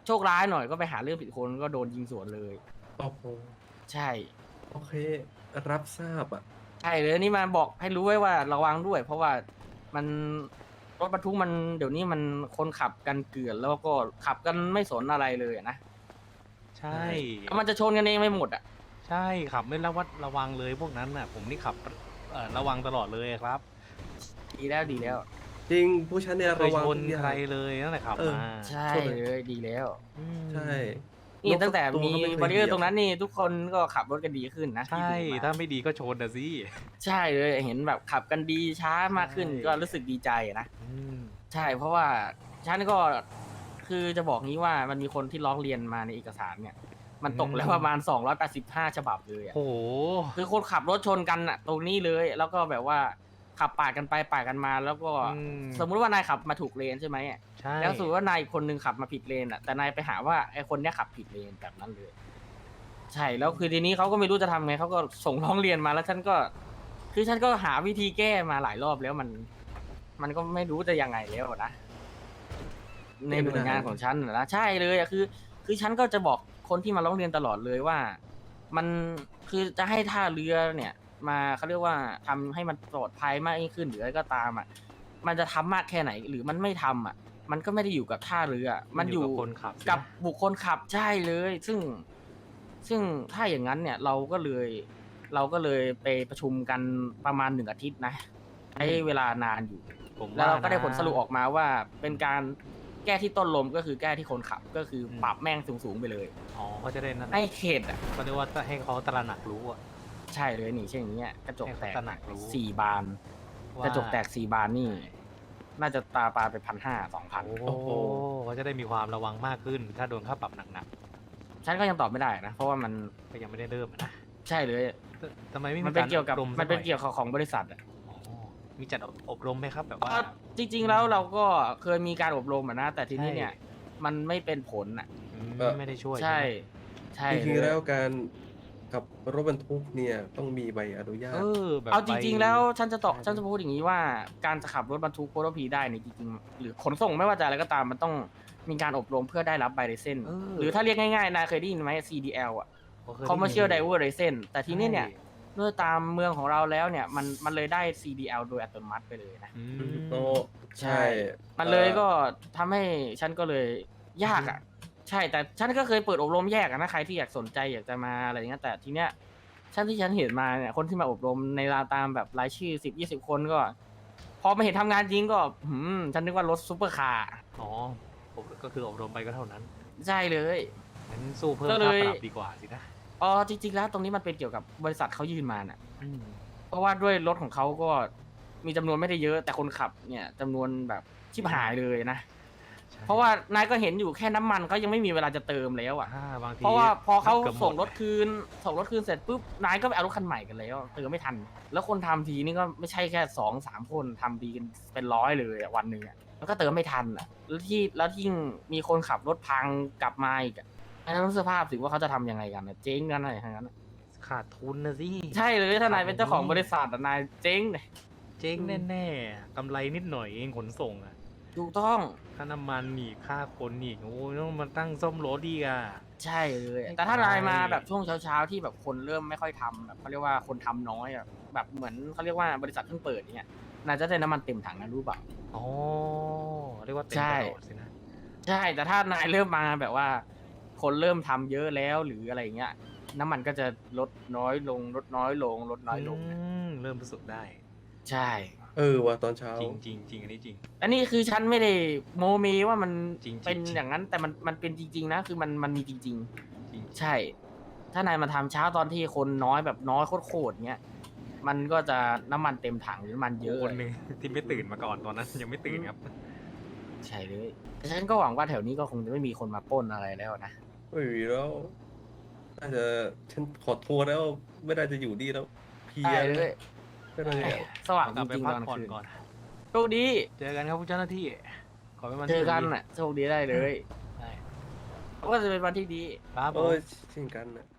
[SPEAKER 1] โชคร้ายหน่อยก็ไปหาเรื่องผิดคนก็โดนยิงสวนเลย
[SPEAKER 3] โอ้โห
[SPEAKER 1] ใช่
[SPEAKER 3] โอเค รับทราบอ่ะ
[SPEAKER 1] ใช่เลยนี่มาบอกให้รู้ไว้ว่าระวังด้วย เพราะว่ามันรถบรรทุกมันเดี๋ยวนี้มันคนขับกันเกลื่อนแล้วก็ขับกันไม่สนอะไรเลยอะนะ
[SPEAKER 2] ใช่
[SPEAKER 1] มันจะชนกันเองไม่หมดอ่ะ
[SPEAKER 2] ใช่ขับไม่ระวังเลยพวกนั้นน่ะ ผมนี่ขับระวังตลอดเลยครับ
[SPEAKER 1] ดีแล้วดีแล้ว
[SPEAKER 3] จริงผู้ชันเนี่ย
[SPEAKER 2] เคย
[SPEAKER 3] ระวัง
[SPEAKER 2] ชน
[SPEAKER 3] ทุกอย่า
[SPEAKER 2] ใครง เลยนั่นแหละขับ
[SPEAKER 3] เออ
[SPEAKER 2] มา
[SPEAKER 1] ใช่
[SPEAKER 3] ชนเลย
[SPEAKER 1] เลยดีแล้ว
[SPEAKER 2] อืม
[SPEAKER 3] ใช่
[SPEAKER 1] นี่ตั้งแต่
[SPEAKER 3] ตัว
[SPEAKER 1] มี
[SPEAKER 3] ก็ไม่เคย
[SPEAKER 1] บาริเออ
[SPEAKER 3] เหยียบ
[SPEAKER 1] ร์ตรงนั้นนี่ทุกคนก็ขับรถกันดีขึ้นนะ
[SPEAKER 2] ใช่
[SPEAKER 1] ที่ดูมา
[SPEAKER 2] ถ้าไม่ดีก็ชนนะสิ
[SPEAKER 1] ใช่เลยเห็นแบบขับกันดีช้ามากขึ้น
[SPEAKER 2] ใช่
[SPEAKER 1] ก็รู้สึกดีใจนะ
[SPEAKER 2] อืม
[SPEAKER 1] ใช่เพราะว่าฉันก็คือจะบอกงี้ว่ามันมีคนที่ร้องเรียนมาในเอกสารเนี่ย มันตกแล้วประมาณ285ฉบับเลยอะ
[SPEAKER 2] โอ้โห
[SPEAKER 1] คือคนขับรถชนกันอะตรงนี้เลย แล้วก็แบบว่าขับปาดกันไปปาดกันมา แล้วก็
[SPEAKER 2] อืม
[SPEAKER 1] สมมุติว่านายขับมาถูกเลนใช่ไหมอะ
[SPEAKER 2] ใช่
[SPEAKER 1] แล้วสมมติว่านายอีกคนนึงขับมาผิดเลนอะแต่นายไปหาว่าไอ้คนเนี้ยขับผิดเลนแบบนั้นเลย ใช่แล้วคือทีนี้เขาก็ไม่รู้จะทำไงเขาก็ส่งร้องเรียนมาแล้วฉันก็ คือฉันก็หาวิธีแก้มาหลายรอบแล้วมันก็ไม่รู้จะยังไงแล้วนะ ในหน่วยงานของฉันนะใช่เลยอะคือฉันก็จะบอกคนที่มาร้องเรียนตลอดเลยว่า มันคือจะให้ท่าเรือเนี่ย มาเขาเรียกว่าทำให้มันปลอดภัยมากยิ่งขึ้นหรืออะไรก็ตามอ่ะ มันจะทำมากแค่ไหน หรือมันไม่ทำอ่ะ มันก็ไม่ได้อยู่กับท่าเรือ มันอยู่
[SPEAKER 2] กับคนขับสิ
[SPEAKER 1] กับบุคคลขับใช่เลย ซึ่งถ้าอย่างนั้นเนี่ยเราก็เลยไปประชุมกันประมาณ1 อาทิตย์นะใช้เวลานานอยู่
[SPEAKER 2] ผม
[SPEAKER 1] แล้วเราก็ได้
[SPEAKER 2] นะ
[SPEAKER 1] ผลสรุปออกมาว่าเป็นการแก้ที่ต้นลมก็คือแก้ที่คนขับก็คืออ
[SPEAKER 2] ม
[SPEAKER 1] ปรับแม่งสูงๆไปเลย
[SPEAKER 2] อ๋อเขาจะได้นั่น
[SPEAKER 1] ให้เขตอ่ะ
[SPEAKER 2] เขาเรียกว่าให้เขาตระหนักรู้อะ
[SPEAKER 1] ใช่เลยนี่เช่นอย่างเงี้ยกระจกแตก
[SPEAKER 2] ให้เขาตระหนักรู้
[SPEAKER 1] 4 บาน
[SPEAKER 2] ว่าก
[SPEAKER 1] ระจกแตก4 บานนี่ น่าจะตาปลาไป1,500-2,000
[SPEAKER 2] โอ้โหเขาจะได้มีความระวังมากขึ้น ถ้าโดนค่าปรับหนัก
[SPEAKER 1] ฉันก็ยังตอบไม่ได้นะ เพราะว่ามัน
[SPEAKER 2] ๆก็ยังไม่ได้เริ่มอะนะ
[SPEAKER 1] ใช่เลย
[SPEAKER 2] ทำไมไม่
[SPEAKER 1] มั
[SPEAKER 2] มี
[SPEAKER 1] นเป็น
[SPEAKER 2] การ
[SPEAKER 1] เกี่ยวกับ
[SPEAKER 2] อบรม
[SPEAKER 1] มันเป็น
[SPEAKER 2] สัหอย
[SPEAKER 1] เกี่ยวกับของบริษัทอ่ะ
[SPEAKER 2] อ๋อมีจัดอบรมไหมครับแบบว่า
[SPEAKER 1] จริง ๆ แล้วเราก็เคยมีการอบรมอ่ะนะ แต่ทีนี้
[SPEAKER 2] ใช่
[SPEAKER 1] เนี่ย มันไม่เป็นผลอ่ะ
[SPEAKER 2] อืมไม่ได้ช่วย
[SPEAKER 1] ใช่
[SPEAKER 2] ไหม
[SPEAKER 1] ใช่
[SPEAKER 3] จริง
[SPEAKER 1] เล
[SPEAKER 3] ๆแล้ว
[SPEAKER 1] ย
[SPEAKER 3] การขับรถบรรทุกเนี่ยต้องมีใบอนุญาต
[SPEAKER 2] แบบ
[SPEAKER 1] เอาจริง ๆ แล้วฉันจะ
[SPEAKER 3] ใช่
[SPEAKER 1] ฉันจะพูดอย่างนี้ว่าการจะขับรถบรรทุกโพลพีได้เนี่ยจริงๆหรือขนส่งไม่ว่าจะอะไรก็ตามมันต้องมีการอบรมเพื่อได้รับใบไลเซนส์หรือถ้าเรียกง่ายๆนายเคยได้ยินไหม CDL อ่ะ
[SPEAKER 2] เคยได้ยิน
[SPEAKER 1] Commercial Driver License แต่ทีนี้เนี่ย
[SPEAKER 2] ใช่
[SPEAKER 1] ด้วยตามเมืองของเราแล้วเนี่ยมันเลยได้ CDL โดยอัตโนมัติไปเลยนะ
[SPEAKER 2] อืม
[SPEAKER 3] โอ้ใช่
[SPEAKER 1] มันเลยก็ทำให้ฉันก็เลยยากอ่ะ ใช่แต่ฉันก็เคยเปิดอบรมแยกอะนะใครที่อยากสนใจอยากจะมาอะไรอย่างเงี้ยแต่ทีเนี้ยที่ฉันเห็นมาเนี่ยคนที่มาอบรมในราวตามแบบรายชื่อ10-20 คนก็ พอมาเห็นทำงานจริงก็ฉันนึกว่ารถซุปเปอร์คาร์
[SPEAKER 2] อ๋อผมก็คืออบรมไปก็เท่านั้น
[SPEAKER 1] ใช่เลย
[SPEAKER 2] งั้นสู้เพิ่ม
[SPEAKER 1] ก็เล
[SPEAKER 2] ค่าย ปรับดีกว่าสินะ
[SPEAKER 1] อ๋อจริงๆแล้วตรงนี้มันเป็นเกี่ยวกับบริษัทเขายื่นมาน่ะ
[SPEAKER 2] อืม
[SPEAKER 1] เพราะว่าด้วยรถของเขาก็มีจำนวนไม่ได้เยอะ แต่คนขับเนี่ยจำนวนแบบชิบหายเลยนะ
[SPEAKER 2] ใช่
[SPEAKER 1] เพราะว่านายก็เห็นอยู่แค่น้ำมันเขายังไม่มีเวลาจะเติมแล้วอ่ะ
[SPEAKER 2] บางที
[SPEAKER 1] เพราะว่าพอเขา
[SPEAKER 2] กือบหมด
[SPEAKER 1] ส่งรถคืนเสร็จปุ๊บนายก็ไปเอารถคันใหม่กันแล้วเติมไม่ทัน แล้วคนทำทีนี่ก็ไม่ใช่แค่2-3 คนทำดีกันเป็น100เลยอะวันหนึ่งอะแล้วก็เติมไม่ทันอ่ะแล้วยิ่งมีคนขับรถพังกลับมาอีกอ่ะอันนั้นสภาพสิว่าเขาจะทำยังไงกันอะเจ๊งกันอะไรทั้งนั้นอะ
[SPEAKER 2] ขาดทุนนะสิ
[SPEAKER 1] ใช่เลยถ้านายเป็นเจ้าของบริษัทอะนายเจ๊งเลย
[SPEAKER 2] เจ๊งแน่ๆกำไรนิดหน่อยเองขนส่งอะ
[SPEAKER 1] ถูกต้อง
[SPEAKER 2] ค่าน้ำมันอีกค่าคนอีกโอ้ยต้องมาตั้งซ่อมรถอีกอะ
[SPEAKER 1] ใช่เลย
[SPEAKER 2] ไม่
[SPEAKER 1] แต่ถ้านาย
[SPEAKER 2] ไป
[SPEAKER 1] มาแบบช่วงเช้าๆที่แบบคนเริ่มไม่ค่อยทำแบบเขาเรียกว่าคนทำน้อยอะแบบเหมือนเขาเรียกว่าบริษัทเพิ่งเปิดอย่างเงี้ยนายจะได้น้ำมันเต็มถังนะรู้เปล่า
[SPEAKER 2] อ๋อเรียกว่าเต็ม
[SPEAKER 1] ใช่
[SPEAKER 2] ตลอดสินะ
[SPEAKER 1] ใช่แต่ถ้านายเริ่มมาแบบว่า คนเริ่มทำเยอะแล้วหรืออะไรอย่างเงี้ยน้ำมันก็จะลดน้อยลงลดน้อยลงลดน้อยลงนะ
[SPEAKER 2] เริ่มรู้สึกได้
[SPEAKER 1] ใช่
[SPEAKER 3] ว่าตอนเช้า
[SPEAKER 2] จริงจริงจริงอันนี้จริง
[SPEAKER 1] อันนี้คือฉันไม่ได้โมเมว่ามัน
[SPEAKER 2] จริงๆ
[SPEAKER 1] เป็น
[SPEAKER 2] จริง
[SPEAKER 1] อย่างนั้นแต่มันเป็นจริง ๆ นะคือมันมีจริง
[SPEAKER 2] จริง
[SPEAKER 1] ๆ ใช่ ถ้านายมาทำเช้าตอนที่คนน้อยแบบน้อยโคตรๆเงี้ยมันก็จะน้ำมันเต็มถังหรือน้ำมันเยอะ
[SPEAKER 2] คนหนึ่งที่ไม่ตื่นมาก่อนตอนนั้นยังไม่ตื่นครับ
[SPEAKER 1] ใช่เลยแต่ฉันก็หวังว่าแถวนี้ก็คงจะไม่มีคนมาปล้นอะไรแล้วนะ
[SPEAKER 3] ไม่มีแล้วน่าจะฉันขอโทษแล้วไม่ได้จะอยู่ดีแล้วเพลีย
[SPEAKER 1] ได้เลย
[SPEAKER 3] ก็เลย
[SPEAKER 1] สว่าง
[SPEAKER 2] ก
[SPEAKER 1] จ
[SPEAKER 2] ลับไป
[SPEAKER 1] ริงๆ
[SPEAKER 2] พั
[SPEAKER 1] ต
[SPEAKER 2] ก
[SPEAKER 1] อน
[SPEAKER 2] ผ่อน
[SPEAKER 1] คืน
[SPEAKER 2] ก่อน
[SPEAKER 1] โชคดี
[SPEAKER 2] เจอกันครับผู้เจ้าหน้าที่ ขอเป็นวัน
[SPEAKER 1] เจ
[SPEAKER 2] ที่
[SPEAKER 1] อกัน
[SPEAKER 2] ดี
[SPEAKER 1] น่ะโชคดีได้เลย
[SPEAKER 2] ใช่
[SPEAKER 1] ก็จะเป็นวันที่ดี
[SPEAKER 2] ครับผ
[SPEAKER 3] โอ้
[SPEAKER 2] ม
[SPEAKER 3] ยเช่นกันนะ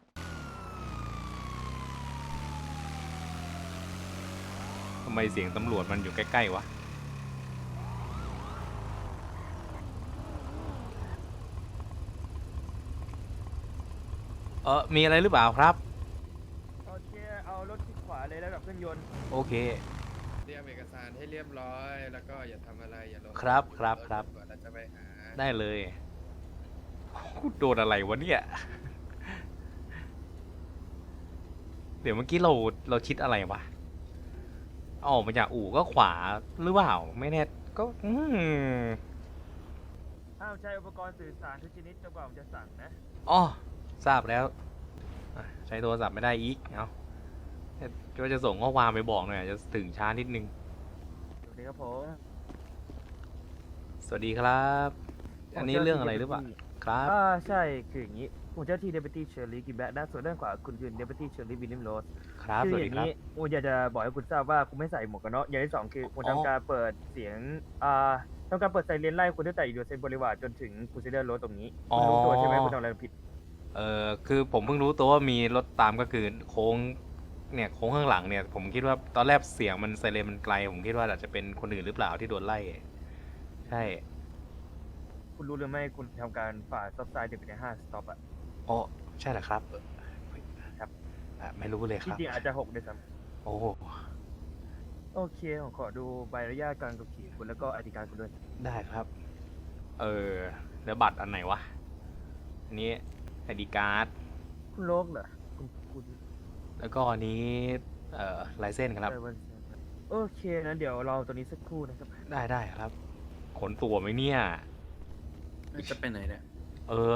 [SPEAKER 2] ทำไมเสียงตำรวจมันอยู่ใกล้ๆวะมีอะไรหรือเปล่าครับ
[SPEAKER 5] โอเค เอารถที่ขวาเลยแล้วแบบเครื่องยนต์
[SPEAKER 2] โอเค
[SPEAKER 6] เตรียมเอกสารให้เรียบร้อย แล้วก็อย่าทำอะไรอย่าลง
[SPEAKER 2] ครับครับครับ
[SPEAKER 6] ก่อนเราจะไปหา
[SPEAKER 2] ได้เลยโดนอะไรวะเนี่ย เดี๋ยวเมื่อกี้เราชิดอะไรวะออกมาจากอู่ก็ขวาหรือเปล่า ไม่แน่ก็
[SPEAKER 5] ห้ามใช้อุปกรณ์สื่อสารทุกชนิดจนกว่าผมจะสั่งนะ
[SPEAKER 2] อ๋อทราบแล้วใช้โทรศัพท์ไม่ได้อีกเอาก็จะส่งข้อความไปบอกหน่อยจะถึงช้านิดนึง
[SPEAKER 5] สวัสดีครับผม
[SPEAKER 2] สวัสดีครับ อันนี้เรื่องอะไรหรือเปล่าครับ
[SPEAKER 5] ใช่ คืออย่างนี้ผมเจ้าที่ Deputy Shirley กินแบะด้านส่วนด้านขวาคุณคือ Deputy Shirley William Rose
[SPEAKER 2] ครับ
[SPEAKER 5] คื
[SPEAKER 2] สวัส
[SPEAKER 5] อ
[SPEAKER 2] ดี
[SPEAKER 5] ย่าง
[SPEAKER 2] ครับ
[SPEAKER 5] นี้ผมอยากจะบอกให้คุณทราบว่าคุณไม่ใส่หมวกกันน็อกอย่างที่สองคือผม
[SPEAKER 2] อ๋อ
[SPEAKER 5] ทำการเปิดเสียงทำการเปิดไซเรนไล่คุณตั้งแต่อยู่เซนบริวารจนถึงคุณเซเดอร์โรสตรงนี้คุณรู้ตัวใช่ไหมคุณทำอะไรผิด
[SPEAKER 2] คือผมเพิ่งรู้ตัวว่ามีรถตามก็คือโค้งเนี่ยโค้งข้างหลังเนี่ย ผมคิดว่าตอนแรกเสียงมันไซเรนมันไกล ผมคิดว่าอาจจะเป็นคนอื่นหรือเปล่าที่โดนไล่ ใช่
[SPEAKER 5] คุณรู้หรือไม่คุณทำการฝ่าสต็อปไซน์ถึงไปใน5สต็อปอะ
[SPEAKER 2] อ๋อใช่เหรอครับ
[SPEAKER 5] ครับ
[SPEAKER 2] ไม่รู้เลย
[SPEAKER 5] จ
[SPEAKER 2] ครับ
[SPEAKER 5] ริงๆอาจจะ6ด้วยซ้
[SPEAKER 2] โอ้
[SPEAKER 5] ำโอเคผมขอดูใบอนุญาตการขับขี่คุณแล้วก็อธิการคุณด้วย
[SPEAKER 2] ได้ครับ แล้วบัตรอันไหนวะ อันนี้ไอดีการ์ด
[SPEAKER 5] คุณโลกเหรอคุณ
[SPEAKER 2] แล้วก็อันนี้ลายเส้นครับ
[SPEAKER 5] เออวันโอเคนะเดี๋ยวรอตัวนี้สักครู่นะครับ
[SPEAKER 2] ได้ครับ ขนตัวไหมเนี่ย
[SPEAKER 6] จะไปไหนเนี่ย
[SPEAKER 2] เออ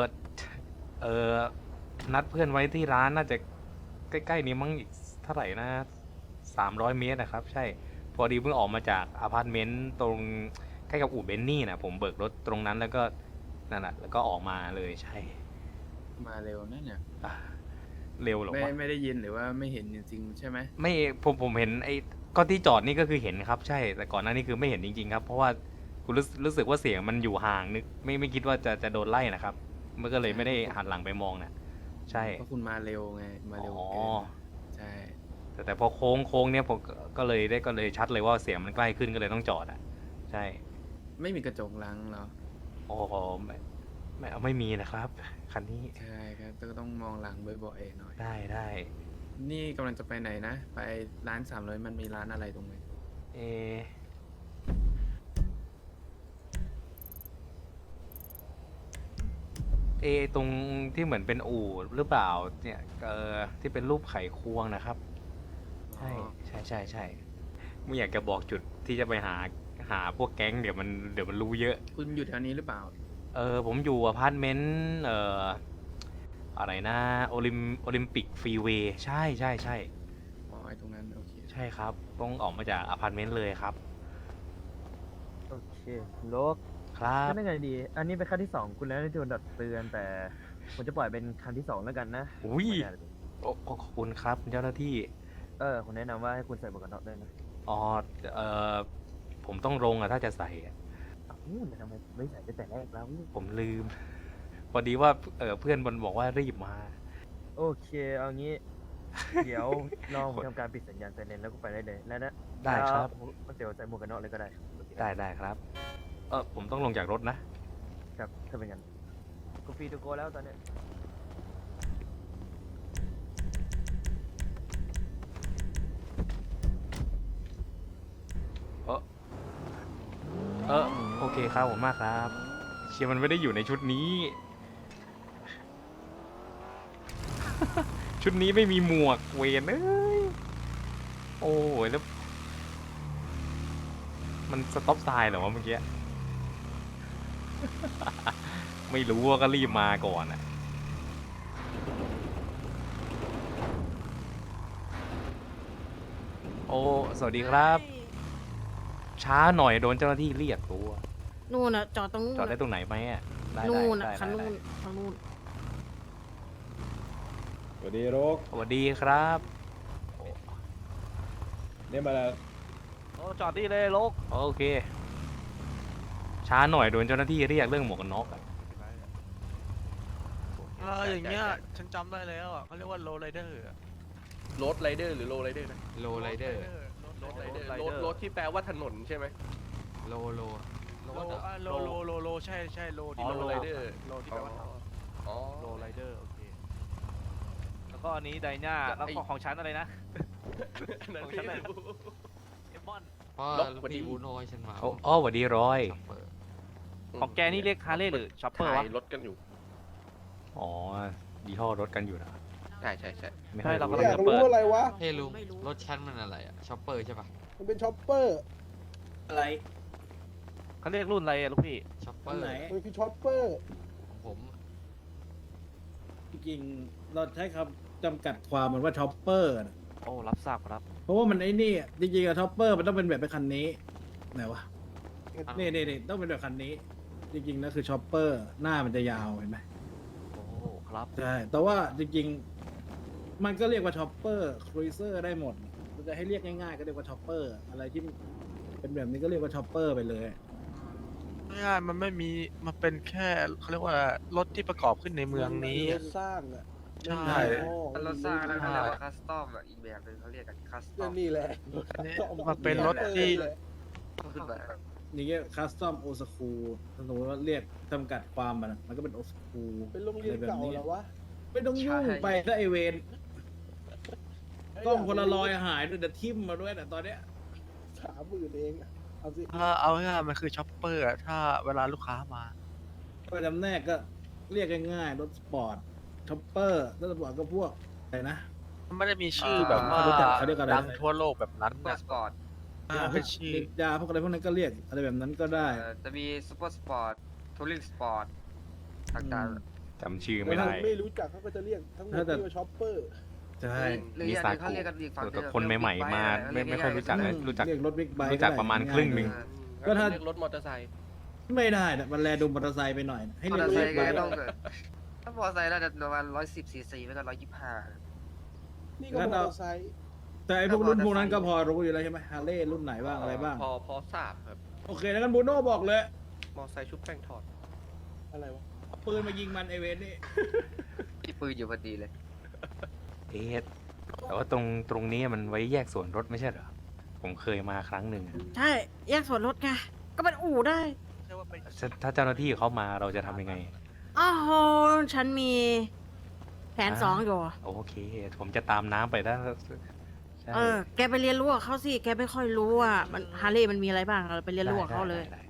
[SPEAKER 2] นัดเพื่อนไว้ที่ร้านน่าจะใกล้ๆนี้มั้งอีกเท่าไหร่นะ300 เมตรนะครับ ใช่ พอดีเพิ่งออกมาจากอพาร์ตเมนต์ตรงใกล้กับอู่เบนนี่นะผมเบิกรถตรงนั้นแล้วก็นั่นแหละแล้วก็ออกมาเลยใช่
[SPEAKER 6] มาเร็วนะเนี่ย
[SPEAKER 2] อ่ะเร็วเหรอ
[SPEAKER 6] ไม่
[SPEAKER 2] วะ
[SPEAKER 6] ไม่ได้ยินหรือว่าไม่เห็นจริงๆใช่ไหม
[SPEAKER 2] ไม่ผมเห็นไอ้ก็ที่จอดนี่ก็คือเห็นครับ ใช่ แต่ก่อนหน้านี้คือไม่เห็นจริงๆครับ เพราะว่าคุณรู้สึกว่าเสียงมันอยู่ห่างนึกไม่คิดว่าจะโดนไล่นะครับมันก็เลยไม่ได้หันหลังไปมองนะใช่
[SPEAKER 6] เพราะคุณมาเร็วไง มาเร็ว
[SPEAKER 2] อ๋อ
[SPEAKER 6] เกินใช่
[SPEAKER 2] แต่พอโค้งเนี่ยผมก็เลยชัดเลยว่าเสียงมันใกล้ขึ้นก็เลยต้องจอดอ่ะ ใช่
[SPEAKER 6] ไม่มีกระจกหลังเหรอ
[SPEAKER 2] โอ้โหไม่มีนะครับ คันนี้
[SPEAKER 6] ใช่ครับก็ต้องมองหลังบ่อยๆหน่อย
[SPEAKER 2] ได้
[SPEAKER 6] นี่กำลังจะไปไหนนะ ไปร้าน300มันมีร้านอะไรตรงไหน
[SPEAKER 2] เอตรงที่เหมือนเป็นอู่หรือเปล่าเนี่ยที่เป็นรูปไขควงนะครับ ใช่ไม่อยากจะบอกจุดที่จะไปหาพวกแก๊งเดี๋ยวมันรู้เยอะ
[SPEAKER 6] คุณอยู่แถวนี้หรือเปล่า
[SPEAKER 2] ผมอยู่อพาร์ตเมนต์อะไรนะโอลิมปิกฟรีเวย์ใช่
[SPEAKER 6] อ๋อไอ้ตรงนั้นโอเค
[SPEAKER 2] ใช่ครับต้องออกมาจากอพาร์ตเมนต์เลยครับ
[SPEAKER 5] โอเคคุณโลก
[SPEAKER 2] ครับ
[SPEAKER 5] ก็ได้ไงดี อันนี้เป็นขั้นที่2คุณแล้วที่โดนดัดเตือนแต่ผมจะปล่อยเป็นขั้นที่2แล้วกันนะ
[SPEAKER 2] อุ้ย
[SPEAKER 5] ไม่ได้เลย
[SPEAKER 2] ขอบคุณครับเจ้าหน้าที่
[SPEAKER 5] ผมแนะนำว่าให้คุณใส่หมวกกันน็อกด้วยนะ
[SPEAKER 2] อ๋อผมต้องลงอะถ้าจะใส่อะ
[SPEAKER 5] ทำไมไม่ใส่ตั้งแต่แรกแล้ว
[SPEAKER 2] ผมลืม พอดีว่าเพื่อนบนบอกว่ารีบมา
[SPEAKER 5] โอเค เอางี้ เดี๋ยวลองทำการปิดสัญญาณไซเรนแล้วก็ไปได้เลยแล้วนะ
[SPEAKER 2] ได้ครับ
[SPEAKER 5] เดี๋ยวใส่หมวกกันน็อกเลยก็ได้โอเค
[SPEAKER 2] ได้ครับ ผมต้องลงจากรถนะ
[SPEAKER 5] ครับถ้าเป็นงั้นกูฟรีทูโกแล้วตอนเนี้ย
[SPEAKER 2] โอเคครับผมมากครับ เชียร์มันไม่ได้อยู่ในชุดนี้ ชุดนี้ไม่มีหมวกเวนเอ้ยโอ้ยแล้ว มันสต็อปไซน์เหรอวะเมื่อกี้ ไม่รู้ว่าก็รีบมาก่อนอ่ะ โอ้สวัสดีครับ ช้าหน่อยโดนเจ้าหน้าที่เรียกตัว
[SPEAKER 7] นู่นน่ะจอดตรงนู่น
[SPEAKER 2] จอดได้
[SPEAKER 7] น่ะ
[SPEAKER 2] ตรงไหนไหมอ่ะได้
[SPEAKER 7] นู่นน่ะ
[SPEAKER 2] ได้
[SPEAKER 7] คันนู่
[SPEAKER 2] ได้
[SPEAKER 7] นทางนู่น
[SPEAKER 8] สวัสดีโรก
[SPEAKER 2] สวัสดีครับ
[SPEAKER 8] เนี่ยมาแล้ว
[SPEAKER 2] จอดที่เลยลกโอเค ช้าหน่อยโดนเจ้าหน้าที่เรียกเรื่องหมวกกันน็อกอะ
[SPEAKER 9] อย่างเงี้ยฉันจำได้แล้วอ่ะเขาเรียกว่าโรลไรเดอร์
[SPEAKER 3] โรดไรเดอร์หรือโรไรเดอร์นะ
[SPEAKER 2] โลไรเดอร์
[SPEAKER 3] โรดไรเดอร์โรดที่แปลว่าถนนใช่ไหม
[SPEAKER 2] โล
[SPEAKER 9] โลใช่โล
[SPEAKER 3] อ๋อโรไรเดอร์
[SPEAKER 9] โลที่แปลว่าทำ
[SPEAKER 3] อ๋อ
[SPEAKER 9] โรลไรเดอร์โอเคก็อันนี้ไดน่าแล้วก็ของฉันอะไรนะ ของฉันอะไรเอมอน
[SPEAKER 8] เพราะพี่บูโน่ให้ฉันมา
[SPEAKER 2] อ๋อสวัสดีร้อย
[SPEAKER 8] ช็อปเปอร์
[SPEAKER 9] ของแกนี่เรียกฮาร์เลย์หรือช็อปเปอร์วะ
[SPEAKER 3] ขายรถกันอยู่
[SPEAKER 2] อ๋อยี่ห้อรถกันอยู่นะ
[SPEAKER 3] ใช่ใช่ใช่
[SPEAKER 2] ไม่
[SPEAKER 9] ใช่
[SPEAKER 2] ค่อย
[SPEAKER 9] เรา
[SPEAKER 2] รู้
[SPEAKER 9] กำลัง
[SPEAKER 10] อยาก
[SPEAKER 9] จะ
[SPEAKER 10] รู้
[SPEAKER 9] เปิด
[SPEAKER 10] อะไรวะ
[SPEAKER 8] เฮ้ยลุงรถฉันมันอะไรอะช็อปเปอร์ใช่ปะ
[SPEAKER 10] มันเป็นช็อปเปอร์
[SPEAKER 5] อะไร
[SPEAKER 9] เขาเรียกรุ่นอะไรอะลูกพี่
[SPEAKER 8] ช็อปเป
[SPEAKER 5] อั
[SPEAKER 8] อน ร์
[SPEAKER 5] ไหน
[SPEAKER 10] มันคือช็อปเปอร์
[SPEAKER 8] ของผม
[SPEAKER 5] จริงๆเราใช้คำจำกัดความมันว่าช็อปเปอร์นะ
[SPEAKER 9] โอ้รับทราบครับ
[SPEAKER 5] เพราะว่ามันไอ้นี่อะจริงๆอะช็อปเปอร์มันต้องเป็นแบบเป็นคันนี้ไหนวะนี่ต้องเป็นแบบคันนี้ จริงๆแล้วคือช็อปเปอร์หน้ามันจะยาวเห็นไหม
[SPEAKER 9] โอ้ครับ
[SPEAKER 5] ใช่แต่ว่าจริงๆมันก็เรียกว่าช็อปเปอร์ครูเซอร์ได้หมดมันจะให้เรียกง่ายๆก็เรียกว่าช็อปเปอร์อะไรที่เป็นแบบนี้ก็เรียกว่าช็อปเปอร์ไปเลย
[SPEAKER 9] ง่ายมันไม่มีมันเป็นแค่เขาเรียกว่ารถที่ประกอบขึ้นในเมืองนี้
[SPEAKER 10] รถสร้างอ่ะ
[SPEAKER 9] ใช่
[SPEAKER 10] รถสร้างนะ
[SPEAKER 9] ใช่
[SPEAKER 3] คัสตอมอ่ะอีกแบบนึงเขาเรียกกันคัสตอ
[SPEAKER 10] ก็
[SPEAKER 3] ม
[SPEAKER 10] นี่แหละ
[SPEAKER 9] อันนี้มันเป็นรถที่
[SPEAKER 3] ขึ้นมา
[SPEAKER 5] นี่ก็คัสตอมโอสคูสมมติว่าเรียกจำกัดความมันก็เป็นโอสคู
[SPEAKER 10] เป็นโรงเรียนเก่าแล้ววะ
[SPEAKER 5] ไม่ต้องยุ่งไปถ้าไอเวนกล้องคนละลอยหายด้วยแต่ทิมมาด้วยแต่ตอนเนี้ย
[SPEAKER 10] 30,000เองอะเอาสิ
[SPEAKER 9] ถ้าเอาง่ายๆมันคือช็อปเปอร์อะถ้าเวลาลูกค้ามา
[SPEAKER 5] ก็จำแนกก็เรียกง่ายๆรถสปอร์ตช็อปเปอร์รถสปอร์ตก็พวกอะไรนะ
[SPEAKER 9] มันไม่ได้มีชื่อแบบว่า
[SPEAKER 5] เขารู้จักเขาเรียกอะไรนะ
[SPEAKER 9] ดังทั่วโลกแบบนั้น
[SPEAKER 3] ซุปเปอ
[SPEAKER 9] นะ
[SPEAKER 3] ร์สปอร์ต
[SPEAKER 5] พวกนินจาพวกอะไรพวกนั้นก็เรียกอะไรแบบนั้นก็ได้
[SPEAKER 3] จะมีซุปเปอร์สปอร์ตทัวริงสปอร์ตต่างๆ
[SPEAKER 2] จำชื่อไม่ได้
[SPEAKER 10] ไม่รู้จักเขาก็จะเรียกทั้งหมดที่ว่าช็อปเปอร์
[SPEAKER 5] ใช่
[SPEAKER 3] หรือ
[SPEAKER 2] มี
[SPEAKER 3] อย่าง
[SPEAKER 2] สา
[SPEAKER 3] หนึงเขาเรียกกันอีกฝั่ง
[SPEAKER 2] แต่คนใหม่ๆมาไม่ค่อยรู้จักนะรู้จัก
[SPEAKER 5] เรียกรถบิ๊กไบค์
[SPEAKER 2] รู้จักประมาณครึ่งหนึ่ง
[SPEAKER 5] ก็ถ้า
[SPEAKER 3] เรียกรถมอเตอร์ไซค์
[SPEAKER 5] ไม่ได้นะมันแลดูมอเตอร์ไซค์ไปหน่อยนะให้
[SPEAKER 3] มอ
[SPEAKER 5] เรี
[SPEAKER 3] เต
[SPEAKER 5] ย
[SPEAKER 3] อก ร์
[SPEAKER 5] ร
[SPEAKER 3] ไซ
[SPEAKER 5] ถ
[SPEAKER 3] ค์
[SPEAKER 5] บิ๊กไบ
[SPEAKER 3] ก็
[SPEAKER 5] ค์
[SPEAKER 3] ต้องถ้ามอเตอร์ไซค์น่าจะประมาณ110 cc ไม่ก็125
[SPEAKER 10] นี่ก็มอเตอร์ไซค์
[SPEAKER 5] แต่ไอพวกรุ่นพวกนั้นก็พอรู้อยู่แล้วใช่ไหมฮาร์เลย์รุ่นไหนบ้างอะไรบ้าง
[SPEAKER 3] พอทราบครับ
[SPEAKER 5] โอเคแล้วกันบูโน่บอกเลย
[SPEAKER 3] มอเตอร์ไซค์ชุบแป้งทอด
[SPEAKER 10] อะไรวะ
[SPEAKER 5] เอาปืนมายิงมันไอเวนนี่
[SPEAKER 3] มีปืนอยู่พอดีเลย
[SPEAKER 2] เอ๊ะแต่ว่าตรงนี้มันไว้แยกส่วนรถไม่ใช่เหรอ ผมเคยมาครั้งหนึ่งอะ
[SPEAKER 7] ใช่ แยกส่วนลดไง ก็เป็นอู่ได้
[SPEAKER 2] ถ้าเจ้าหน้าที่เขามาเราจะทำยังไง
[SPEAKER 7] อ้าวโหฉันมีแผนสองอยู่
[SPEAKER 2] โอเค ผมจะตามน้ำไปถ้าใช่
[SPEAKER 7] แกไปเรียนรู้กับเขาสิ แกไม่ค่อยรู้อ่ะ มันฮาร์เลย์มันมีอะไรบ้างเราไปเรียนรู้กับเขาเลย
[SPEAKER 2] ได้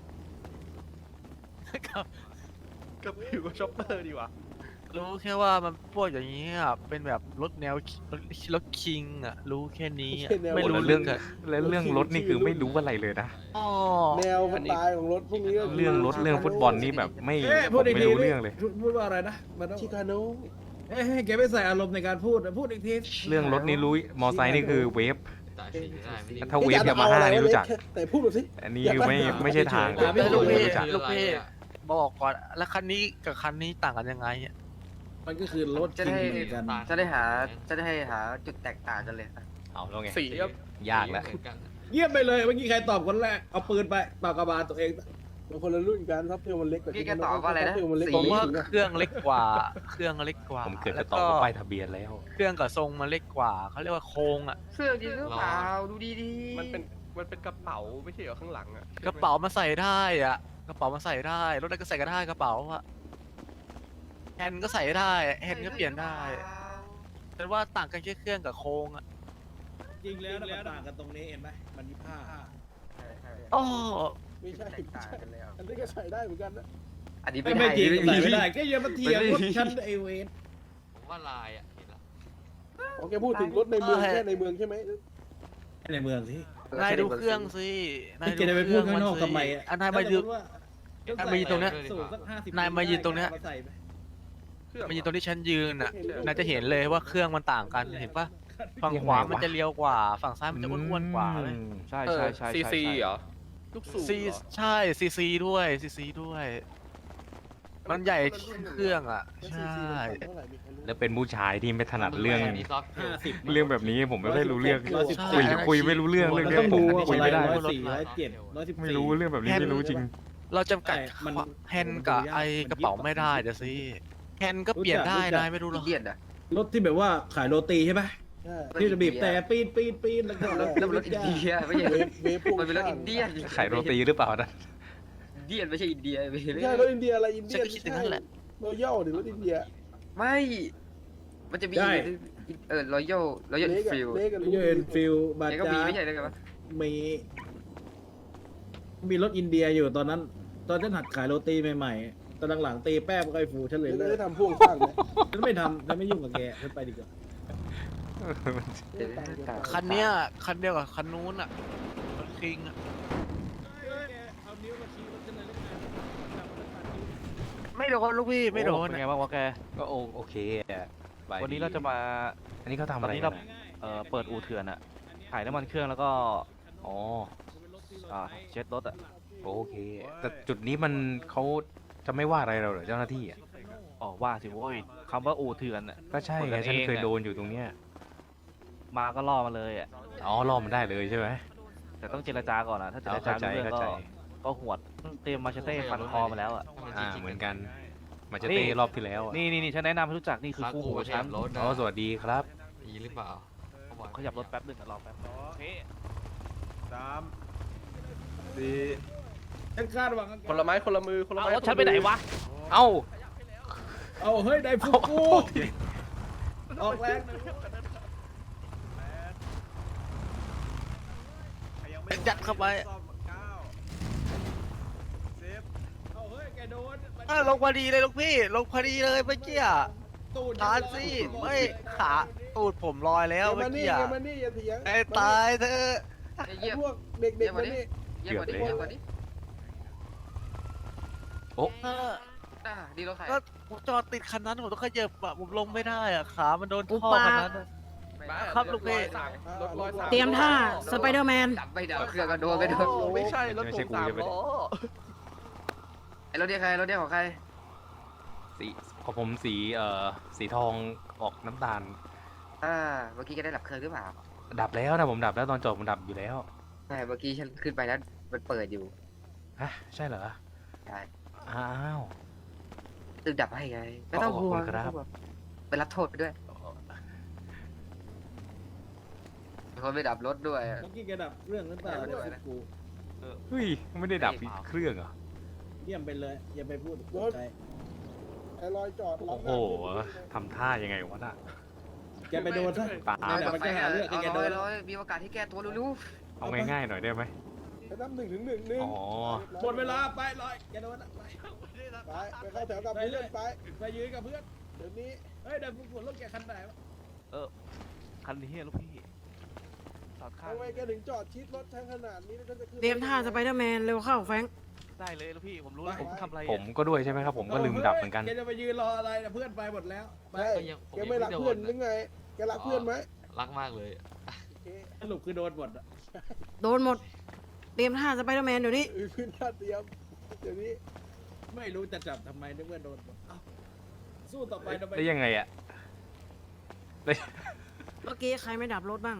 [SPEAKER 9] กับผิวช็อปเปอร์ดีกว่ารู้แค่ว่ามันพวกอย่างนี้อ่ะเป็นแบบรถแนวรถคิงอ่ะรู้แค่นี้อะไม่
[SPEAKER 2] โอ้
[SPEAKER 9] รู้
[SPEAKER 2] แล้ว
[SPEAKER 9] เรื่
[SPEAKER 2] เรื่
[SPEAKER 9] อ
[SPEAKER 2] อง งแล้วเรื่องรถนี่คือไม่รู้อะไรเลยนะ
[SPEAKER 9] อ๋อ
[SPEAKER 10] แนวสไตล์ของรถพวกนี้ก็คื
[SPEAKER 2] เรื่องรถเรื่องฟุตบอลนี่แบบไม่
[SPEAKER 5] เอ๊ะ
[SPEAKER 2] ผ
[SPEAKER 5] พูด
[SPEAKER 2] ม
[SPEAKER 5] อีก
[SPEAKER 2] ไม่
[SPEAKER 5] ที
[SPEAKER 2] รู้เรื่องเลย
[SPEAKER 5] พูดว่าอะไรนะมันต้อง
[SPEAKER 10] ชิคาโน
[SPEAKER 5] เอ้ยแกไม่ใส่อารมณ์ในการพูดพูดอีกที
[SPEAKER 2] เรื่องรถนี่รู้มอไซค์นี่คือเวฟ
[SPEAKER 8] ตายสีได้ไม่ได้
[SPEAKER 2] ถ้าเวฟยามาฮ่านี่รู้จัก
[SPEAKER 10] แต่พูดแบบสิ
[SPEAKER 2] อันนี้ไม่ใช่ทางเลย
[SPEAKER 9] แต่ลูก
[SPEAKER 2] ไม่
[SPEAKER 9] พี่
[SPEAKER 2] รู้จัก
[SPEAKER 9] ลูกพี่บอกก่อนแล้วคันนี้กับคันนี้ต่างกันยังไงอ่ะ
[SPEAKER 5] มันก็คือรถ
[SPEAKER 3] จะ
[SPEAKER 5] จริง
[SPEAKER 3] ได้
[SPEAKER 5] เหมือนกัน
[SPEAKER 3] จะได้หาจุดแตกต่างกันเลย
[SPEAKER 2] เอาแล้วไง
[SPEAKER 3] สีครับ
[SPEAKER 2] ยากแล้ว
[SPEAKER 8] เหมือนกัน
[SPEAKER 5] เยี่ยมไปเลยเมื่อกี้ใครตอบคนแรกเอาปืนไปปากกระบาลตัวเอง
[SPEAKER 10] มันคนละรุ่นกันท็อปเทลมันเล็กกว่า
[SPEAKER 3] พี่แกตอบว่าอะไรนะ
[SPEAKER 10] ท็ปเทลมันเล็กก
[SPEAKER 9] ผ
[SPEAKER 10] ว่าม
[SPEAKER 9] ว่า
[SPEAKER 10] นี้
[SPEAKER 9] เครื่องเล็กกว่า เครื่องเล็กกว่า
[SPEAKER 2] ผมเกิด
[SPEAKER 9] แล้
[SPEAKER 2] จะ
[SPEAKER 9] ว
[SPEAKER 2] ตอบ
[SPEAKER 9] ก็
[SPEAKER 2] ว่าป้ายทะเบียนแล้ว
[SPEAKER 9] เครื่องกับทรงมันเล็กกว่าเขาเรียกว่าโครงอ่ะ
[SPEAKER 3] เสื้อจริงหรือเปล่าดูดีๆ
[SPEAKER 11] มันเป็นกระเป๋าไม่ใช่เหรอข้างหลังอ่ะ
[SPEAKER 9] กระเป๋ามาใส่ได้อ่ะกระเป๋ามาใส่ได้รถอะไรก็ใส่ก็ได้กระเป๋าอ่ะแฮนด์ก็ใส่ได้แฮนด์ก็เปลี่ยนได้แต่ว่าต่างกันแค่เครื่องกับโครงอ่ะ
[SPEAKER 5] จริงแล้วมันต่างกันตรงนี้เห็นไหมมันมีผ้า
[SPEAKER 9] อ๋อ
[SPEAKER 10] ไม่ใช่
[SPEAKER 3] แตกต่างกันแล้ว
[SPEAKER 10] อันนี้ก็ใส่ได้เหมือนกันนะ
[SPEAKER 3] อันนี้
[SPEAKER 5] ไม่
[SPEAKER 3] ไม่
[SPEAKER 5] จริง
[SPEAKER 3] ได้
[SPEAKER 5] ใส่ไม่ได้ก็อย่ามาเถียงรถฉันไอเวน
[SPEAKER 8] ผมว่าลายอ่ะเห็นแล้ว
[SPEAKER 10] โอเคพูดถึงรถในเมืองแค่ในเมืองใช่ไหม
[SPEAKER 5] ในเมืองสิ
[SPEAKER 9] นายดูเครื่องสิ
[SPEAKER 5] นี่แกจะไปพูดข้างนอกทำไม
[SPEAKER 9] อันนายมายืน นายมายืนตรงเนี้ย
[SPEAKER 5] สูสัก50
[SPEAKER 9] นายมายืนตรงเนี้ย
[SPEAKER 5] มาใส่ไป
[SPEAKER 9] มันยืนตรงที่ฉันยืนอ่ะนายจะเห็นเลยว่าเครื่องมันต่างกันเห็นปะฝั่งขวามันจะเลี้ยวกว่า ฝั่งซ้ายมันจะอ้วนๆกว่าเลย
[SPEAKER 6] ใช่ใช่ใช่
[SPEAKER 11] ซีซีเหรอ ลูกสูบ
[SPEAKER 9] ซี
[SPEAKER 11] เหรอ
[SPEAKER 9] ใช่ซีซีด้วยซีซีด้วย มันใหญ่เครื่องอ่ะ ใช่
[SPEAKER 10] เท่าไหร่มีใครรู้
[SPEAKER 2] แล้วเป็นผู้ชายที่ไม่ถนัดเรื่อง
[SPEAKER 8] นนี้ซอฟต์
[SPEAKER 5] 50
[SPEAKER 2] เรื่องแบบนี้ผมไม่ค่อยรู้เรื่อง
[SPEAKER 5] 114
[SPEAKER 2] คุยไม่รู้เรื่อง
[SPEAKER 5] มัน
[SPEAKER 2] เรื่
[SPEAKER 5] ต้
[SPEAKER 2] อ
[SPEAKER 5] อง
[SPEAKER 2] งผม
[SPEAKER 5] ดูว่า
[SPEAKER 2] คุยไม่ได้
[SPEAKER 5] 104 107 114
[SPEAKER 2] ไม่รู้เรื่องแบบนี้ไม่รู้จริง
[SPEAKER 9] เราจำกัด
[SPEAKER 5] แต่มัน
[SPEAKER 9] แฮนด์กับไอกระเป๋าไม่ได้เดี๋ยวสิแฮนด์ก็เปลี่ยนได้นายไม่รู้หร
[SPEAKER 3] อิ
[SPEAKER 9] อน
[SPEAKER 3] เดียนอ่ะ
[SPEAKER 5] รถที่แบบว่าขายโรตีใช่ปะ
[SPEAKER 10] ใช่
[SPEAKER 5] ที่จะบีบแต่ปีนแล้วก็
[SPEAKER 3] แล้วมันรถอินเดียไม่ใช่
[SPEAKER 10] เวฟพ่วง
[SPEAKER 3] มันเป็นรถอินเดีย
[SPEAKER 2] ขายโรตีหรือเปล่านะ
[SPEAKER 3] อินเดียไม่ใช่อินเดียเว้ย
[SPEAKER 10] ไม่ใช่รถอินเดียอะไรอินเดี
[SPEAKER 9] ฉัน
[SPEAKER 10] ย
[SPEAKER 9] ก็คิดอย่างนั้นแหละ
[SPEAKER 10] รอยัลหรือรถอินเดีย
[SPEAKER 3] ไม่
[SPEAKER 12] มันจะมี
[SPEAKER 5] ได้
[SPEAKER 12] รอยัล
[SPEAKER 10] เล็ก
[SPEAKER 12] ฟิล
[SPEAKER 10] เล็กกับ
[SPEAKER 5] ยูเอ็นฟิลบา
[SPEAKER 12] แกก็มี
[SPEAKER 5] จา
[SPEAKER 12] ไม่ใช่เลยครับ
[SPEAKER 5] มีรถอินเดียอยู่ตอนนั้น ตอนฉันหัดขายโรตีใหม่ๆตอนหลังๆตีแป้งก็ไอ้ฟูฉันเลย
[SPEAKER 10] ไม่
[SPEAKER 5] เลิ
[SPEAKER 10] ได้
[SPEAKER 5] ก
[SPEAKER 10] ทำพ่วงข้างไหม
[SPEAKER 5] ฉันไม่ทำฉันไม่ยุ่งกับแกฉันไปดีกว่า
[SPEAKER 9] คันเนี้ยคันเดียวกับคันนู้นอ่ะรถคิงอ่ะ
[SPEAKER 5] เอานิ้วมาชี้รถฉันเลยแล้วกัน
[SPEAKER 9] ไม่โดนลูกพี่ไม่โดน
[SPEAKER 13] เป็นไงบ้างวะแก
[SPEAKER 2] ก็โอเคอะบย
[SPEAKER 13] วันนี้เราจะมา
[SPEAKER 2] อันนี้เขาทำ
[SPEAKER 13] ต
[SPEAKER 2] อะ
[SPEAKER 13] อน
[SPEAKER 2] ไร
[SPEAKER 13] นี้
[SPEAKER 2] กั
[SPEAKER 13] เรา
[SPEAKER 2] นอะ
[SPEAKER 13] เปิดอู่เถื่อนอะถ่ายน้ำมันเครื่องแล้วก็
[SPEAKER 2] อ๋อ
[SPEAKER 13] เช็ดรถอะ
[SPEAKER 2] โอเค แต่จุดนี้มันเขาจะไม่ว่าอะไรเราเหรอเจ้าหน้าที่อะ
[SPEAKER 13] อ๋อว่าสิโว้ยคำว่าอู่เถื่อนอะ
[SPEAKER 2] ก็ใช่
[SPEAKER 13] คน
[SPEAKER 2] ไง
[SPEAKER 13] กัน
[SPEAKER 2] ฉันเคย
[SPEAKER 13] เองอะ
[SPEAKER 2] โดนอยู่ตรงเนี้ย
[SPEAKER 13] มาก็ล่อมาเลยอะ
[SPEAKER 2] อ๋อรอมันได้เลยใช่ไหม
[SPEAKER 13] แต่ต้องเจรจาก่อนอะถ้าเจรจา
[SPEAKER 2] เข้าใจ
[SPEAKER 13] ไม่รู้เรื่อง
[SPEAKER 2] เข้าใจ
[SPEAKER 13] ก็หวดเตรียมมาเชเต้ฟันคอมาแล้วอะ
[SPEAKER 2] เหมือนกันมาจะเต้รอบที่แล้วอะ
[SPEAKER 13] นี่ฉันแนะนำให้รู้จักนี่คือ
[SPEAKER 8] ค้าง
[SPEAKER 13] คู่
[SPEAKER 8] กู
[SPEAKER 13] หู
[SPEAKER 8] ข
[SPEAKER 13] ฉั
[SPEAKER 8] ยั
[SPEAKER 13] น
[SPEAKER 8] บรถนะ
[SPEAKER 2] อ๋อสวัสดีครับ
[SPEAKER 8] ดีหรือเปล่าเขาบอก
[SPEAKER 13] ขยับรถแป๊บนึงรอแป๊บโอเค
[SPEAKER 5] ฉันคาดหวังกับแก
[SPEAKER 11] คนละไม้คนละมือคนละ
[SPEAKER 13] เอา
[SPEAKER 11] ไม้
[SPEAKER 13] รถฉันไปไหนวะ
[SPEAKER 2] เอ้า
[SPEAKER 5] เอาเฮ้ยได้ฟูกูออกแรงหน่อย
[SPEAKER 9] ยัดเข้าไป
[SPEAKER 5] เอาเฮ้ยแกโดน
[SPEAKER 9] ลงพอดีเลยลูกพี่ลงพอดีเลยเมื่อกี้อะ
[SPEAKER 5] ตูด
[SPEAKER 9] ทานสิไม่ขาตูดผมลอยแล้ว
[SPEAKER 10] เกม
[SPEAKER 9] เมื่
[SPEAKER 10] มา
[SPEAKER 9] อ
[SPEAKER 10] นี่
[SPEAKER 9] กี้อะ
[SPEAKER 10] เกมมานี่อย่าเถียง
[SPEAKER 9] ไอ้ตายเธอะ
[SPEAKER 12] เยี่ยม
[SPEAKER 10] พวกเด็กๆมานี่
[SPEAKER 12] เยี่ยมกว่านี้เยี่ยมกว่านี้
[SPEAKER 9] เออ
[SPEAKER 12] ดีรถใคร
[SPEAKER 9] ก็ผมจอดติดคันนั้นผมต้องขยับอะผมลงไม่ได้อะขามันโดน
[SPEAKER 7] อุ
[SPEAKER 9] ท่อ
[SPEAKER 7] ปา
[SPEAKER 9] คันนั้นอะ ครับลูกพี่
[SPEAKER 11] รถร้อยสาม
[SPEAKER 7] เตรียมท่าสไปเดอร์แมน
[SPEAKER 12] ดับไม่ดับเครื่องก็โดนไปโดน
[SPEAKER 11] ไม่ใช่รถผมสามล้อ
[SPEAKER 12] ไอ้รถเดียวใครรถเดียวของใคร
[SPEAKER 2] สีของผมสีทองออกน้ำตาล
[SPEAKER 12] เมื่อกี้ก็ได้ดับเครื่องหรือเปล่า
[SPEAKER 2] ดับแล้วนะผมดับแล้วตอนจบผมดับอยู่แล้ว
[SPEAKER 12] ใช่เมื่อกี้ฉันขึ้นไปแล้วมันเปิดอยู่
[SPEAKER 2] ฮะใช่เหรอ
[SPEAKER 12] ใช่
[SPEAKER 2] อ้าว
[SPEAKER 12] ตึงดับให้ไงไม่ต้องห่วง
[SPEAKER 2] ขอบคุณครับ
[SPEAKER 12] ไปรับโทษไปด้วยเป็นคนไปดับรถด้วย
[SPEAKER 5] เมื่อกี้แกดับเรื่องหรือเปล่า
[SPEAKER 12] ไม่ได้
[SPEAKER 5] ฟูกู
[SPEAKER 2] เฮ้ยไม่ได้ดับเครื่องเหรอ
[SPEAKER 5] เยี่ยมไปเลยอย่าไปพูดใจ
[SPEAKER 10] ไอ้รอยจอดล็
[SPEAKER 2] โอ้
[SPEAKER 10] อก
[SPEAKER 2] โห
[SPEAKER 10] หน้า
[SPEAKER 2] ทำท่ายังไงวะน่ะ
[SPEAKER 5] แกไปโดนซะ
[SPEAKER 2] ปา
[SPEAKER 5] นั่นแหละมันก็หาเรื่องให้แกโดน
[SPEAKER 12] ร้อยมีโอกาสที่แก้ตัวรู้
[SPEAKER 2] เอาง่ายๆหน่อยได้ไหม
[SPEAKER 10] ไปนับ1 ถึง 1
[SPEAKER 2] อ๋อ
[SPEAKER 5] หมดเวลาไปเลยแกโดนอะไป
[SPEAKER 10] ไปเข้าแถวกับเพื่อนไป
[SPEAKER 5] ไปยืนกับเพื่อน
[SPEAKER 10] เดี๋ยวนี้
[SPEAKER 5] เฮ้ยเดี๋ยวฟูกูรถแกคันไหนวะ
[SPEAKER 13] คันนี้ลูกพี่จอดข้าง
[SPEAKER 10] ทำไมแกถึงจอดชิดรถทั้งขนาดนี้แล้วฉันจะขึ้น
[SPEAKER 7] เตรียมท่าสไปเดอร์แมนเร็วเข้าแฟรงค์
[SPEAKER 13] ได้เลยลูกพี่ผมรู้แล้วผมทำอะไร
[SPEAKER 2] ผมก็ด้วยใช่ไหมครับ ผมก็ลืมดับเหมือนกัน
[SPEAKER 5] แกจะไปยืนรออะไรนะเพื่อนไปหมดแล้วไป
[SPEAKER 10] ใช่แกไม่รักเพื่อนหรือไง แกรักเพื่อนไหม
[SPEAKER 8] รักมากเลย
[SPEAKER 10] โอเค
[SPEAKER 5] สรุปคือโดนหมดอะ
[SPEAKER 7] โดนหมด เตรียมท่าสไปเดอร์แมนเดี๋ยวนี้
[SPEAKER 10] พื้นท่าเตรียม เดี๋ยวนี้
[SPEAKER 5] ไม่รู้จะจับทำไมนึกว่าโดนหมดเอ้าสู้ต่อไปทำไม
[SPEAKER 2] ได้ยังไงอะ
[SPEAKER 7] เมื่อกี้ใครไม่ดับรถบ้าง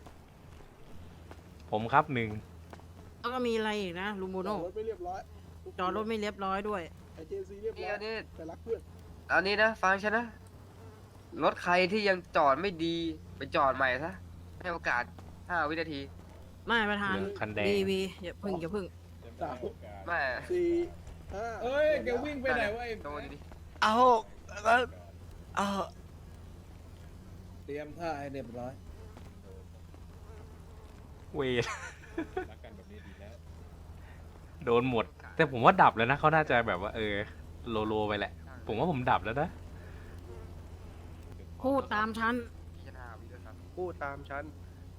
[SPEAKER 2] ผมครับหนึ่ง
[SPEAKER 7] แล้วก็มีอะไรอีกนะลูโม
[SPEAKER 10] จ
[SPEAKER 7] โน่
[SPEAKER 10] อดรถไม่เรียบร้อย
[SPEAKER 7] จอดรถไม่เรียบร้อยด้วย
[SPEAKER 10] ไอเจซีเรียบ
[SPEAKER 12] ๆ
[SPEAKER 10] ร้อย
[SPEAKER 12] นี่
[SPEAKER 10] แต่รักเพื่อน
[SPEAKER 12] อันนี้นะฟังฉันนะรถใครที่ยังจอดไม่ดีไปจอดใหม่ซะให้โอกาส5 วินาที
[SPEAKER 7] ไม่ประธาน
[SPEAKER 2] เหลืองคันแดง
[SPEAKER 7] วีอย่าพึ่งอย่าพึ่ง
[SPEAKER 10] 3
[SPEAKER 12] ไม่
[SPEAKER 10] 4 5
[SPEAKER 5] เอ้ยแกวิ่งไปไหนวะไอ้
[SPEAKER 12] โดนดิ
[SPEAKER 9] เอาแล้วเอา
[SPEAKER 5] เตรียมท่าให้เรียบร้อย
[SPEAKER 2] เวทโดนหมด แต่ผมว่าดับแล้วนะเขาน่าจะแบบว่าโลไปแหละ ผมว่าผมดับแล้วนะ
[SPEAKER 7] พูดตามฉัน
[SPEAKER 12] พิจารณาวิด้วยครับ
[SPEAKER 11] พูดตามฉัน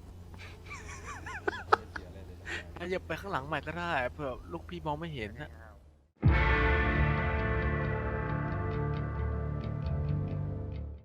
[SPEAKER 9] ขยับไปข้างหลังใหม่ก็ได้เผื่อลูกพี่มองไม่เห็นนะ
[SPEAKER 12] 5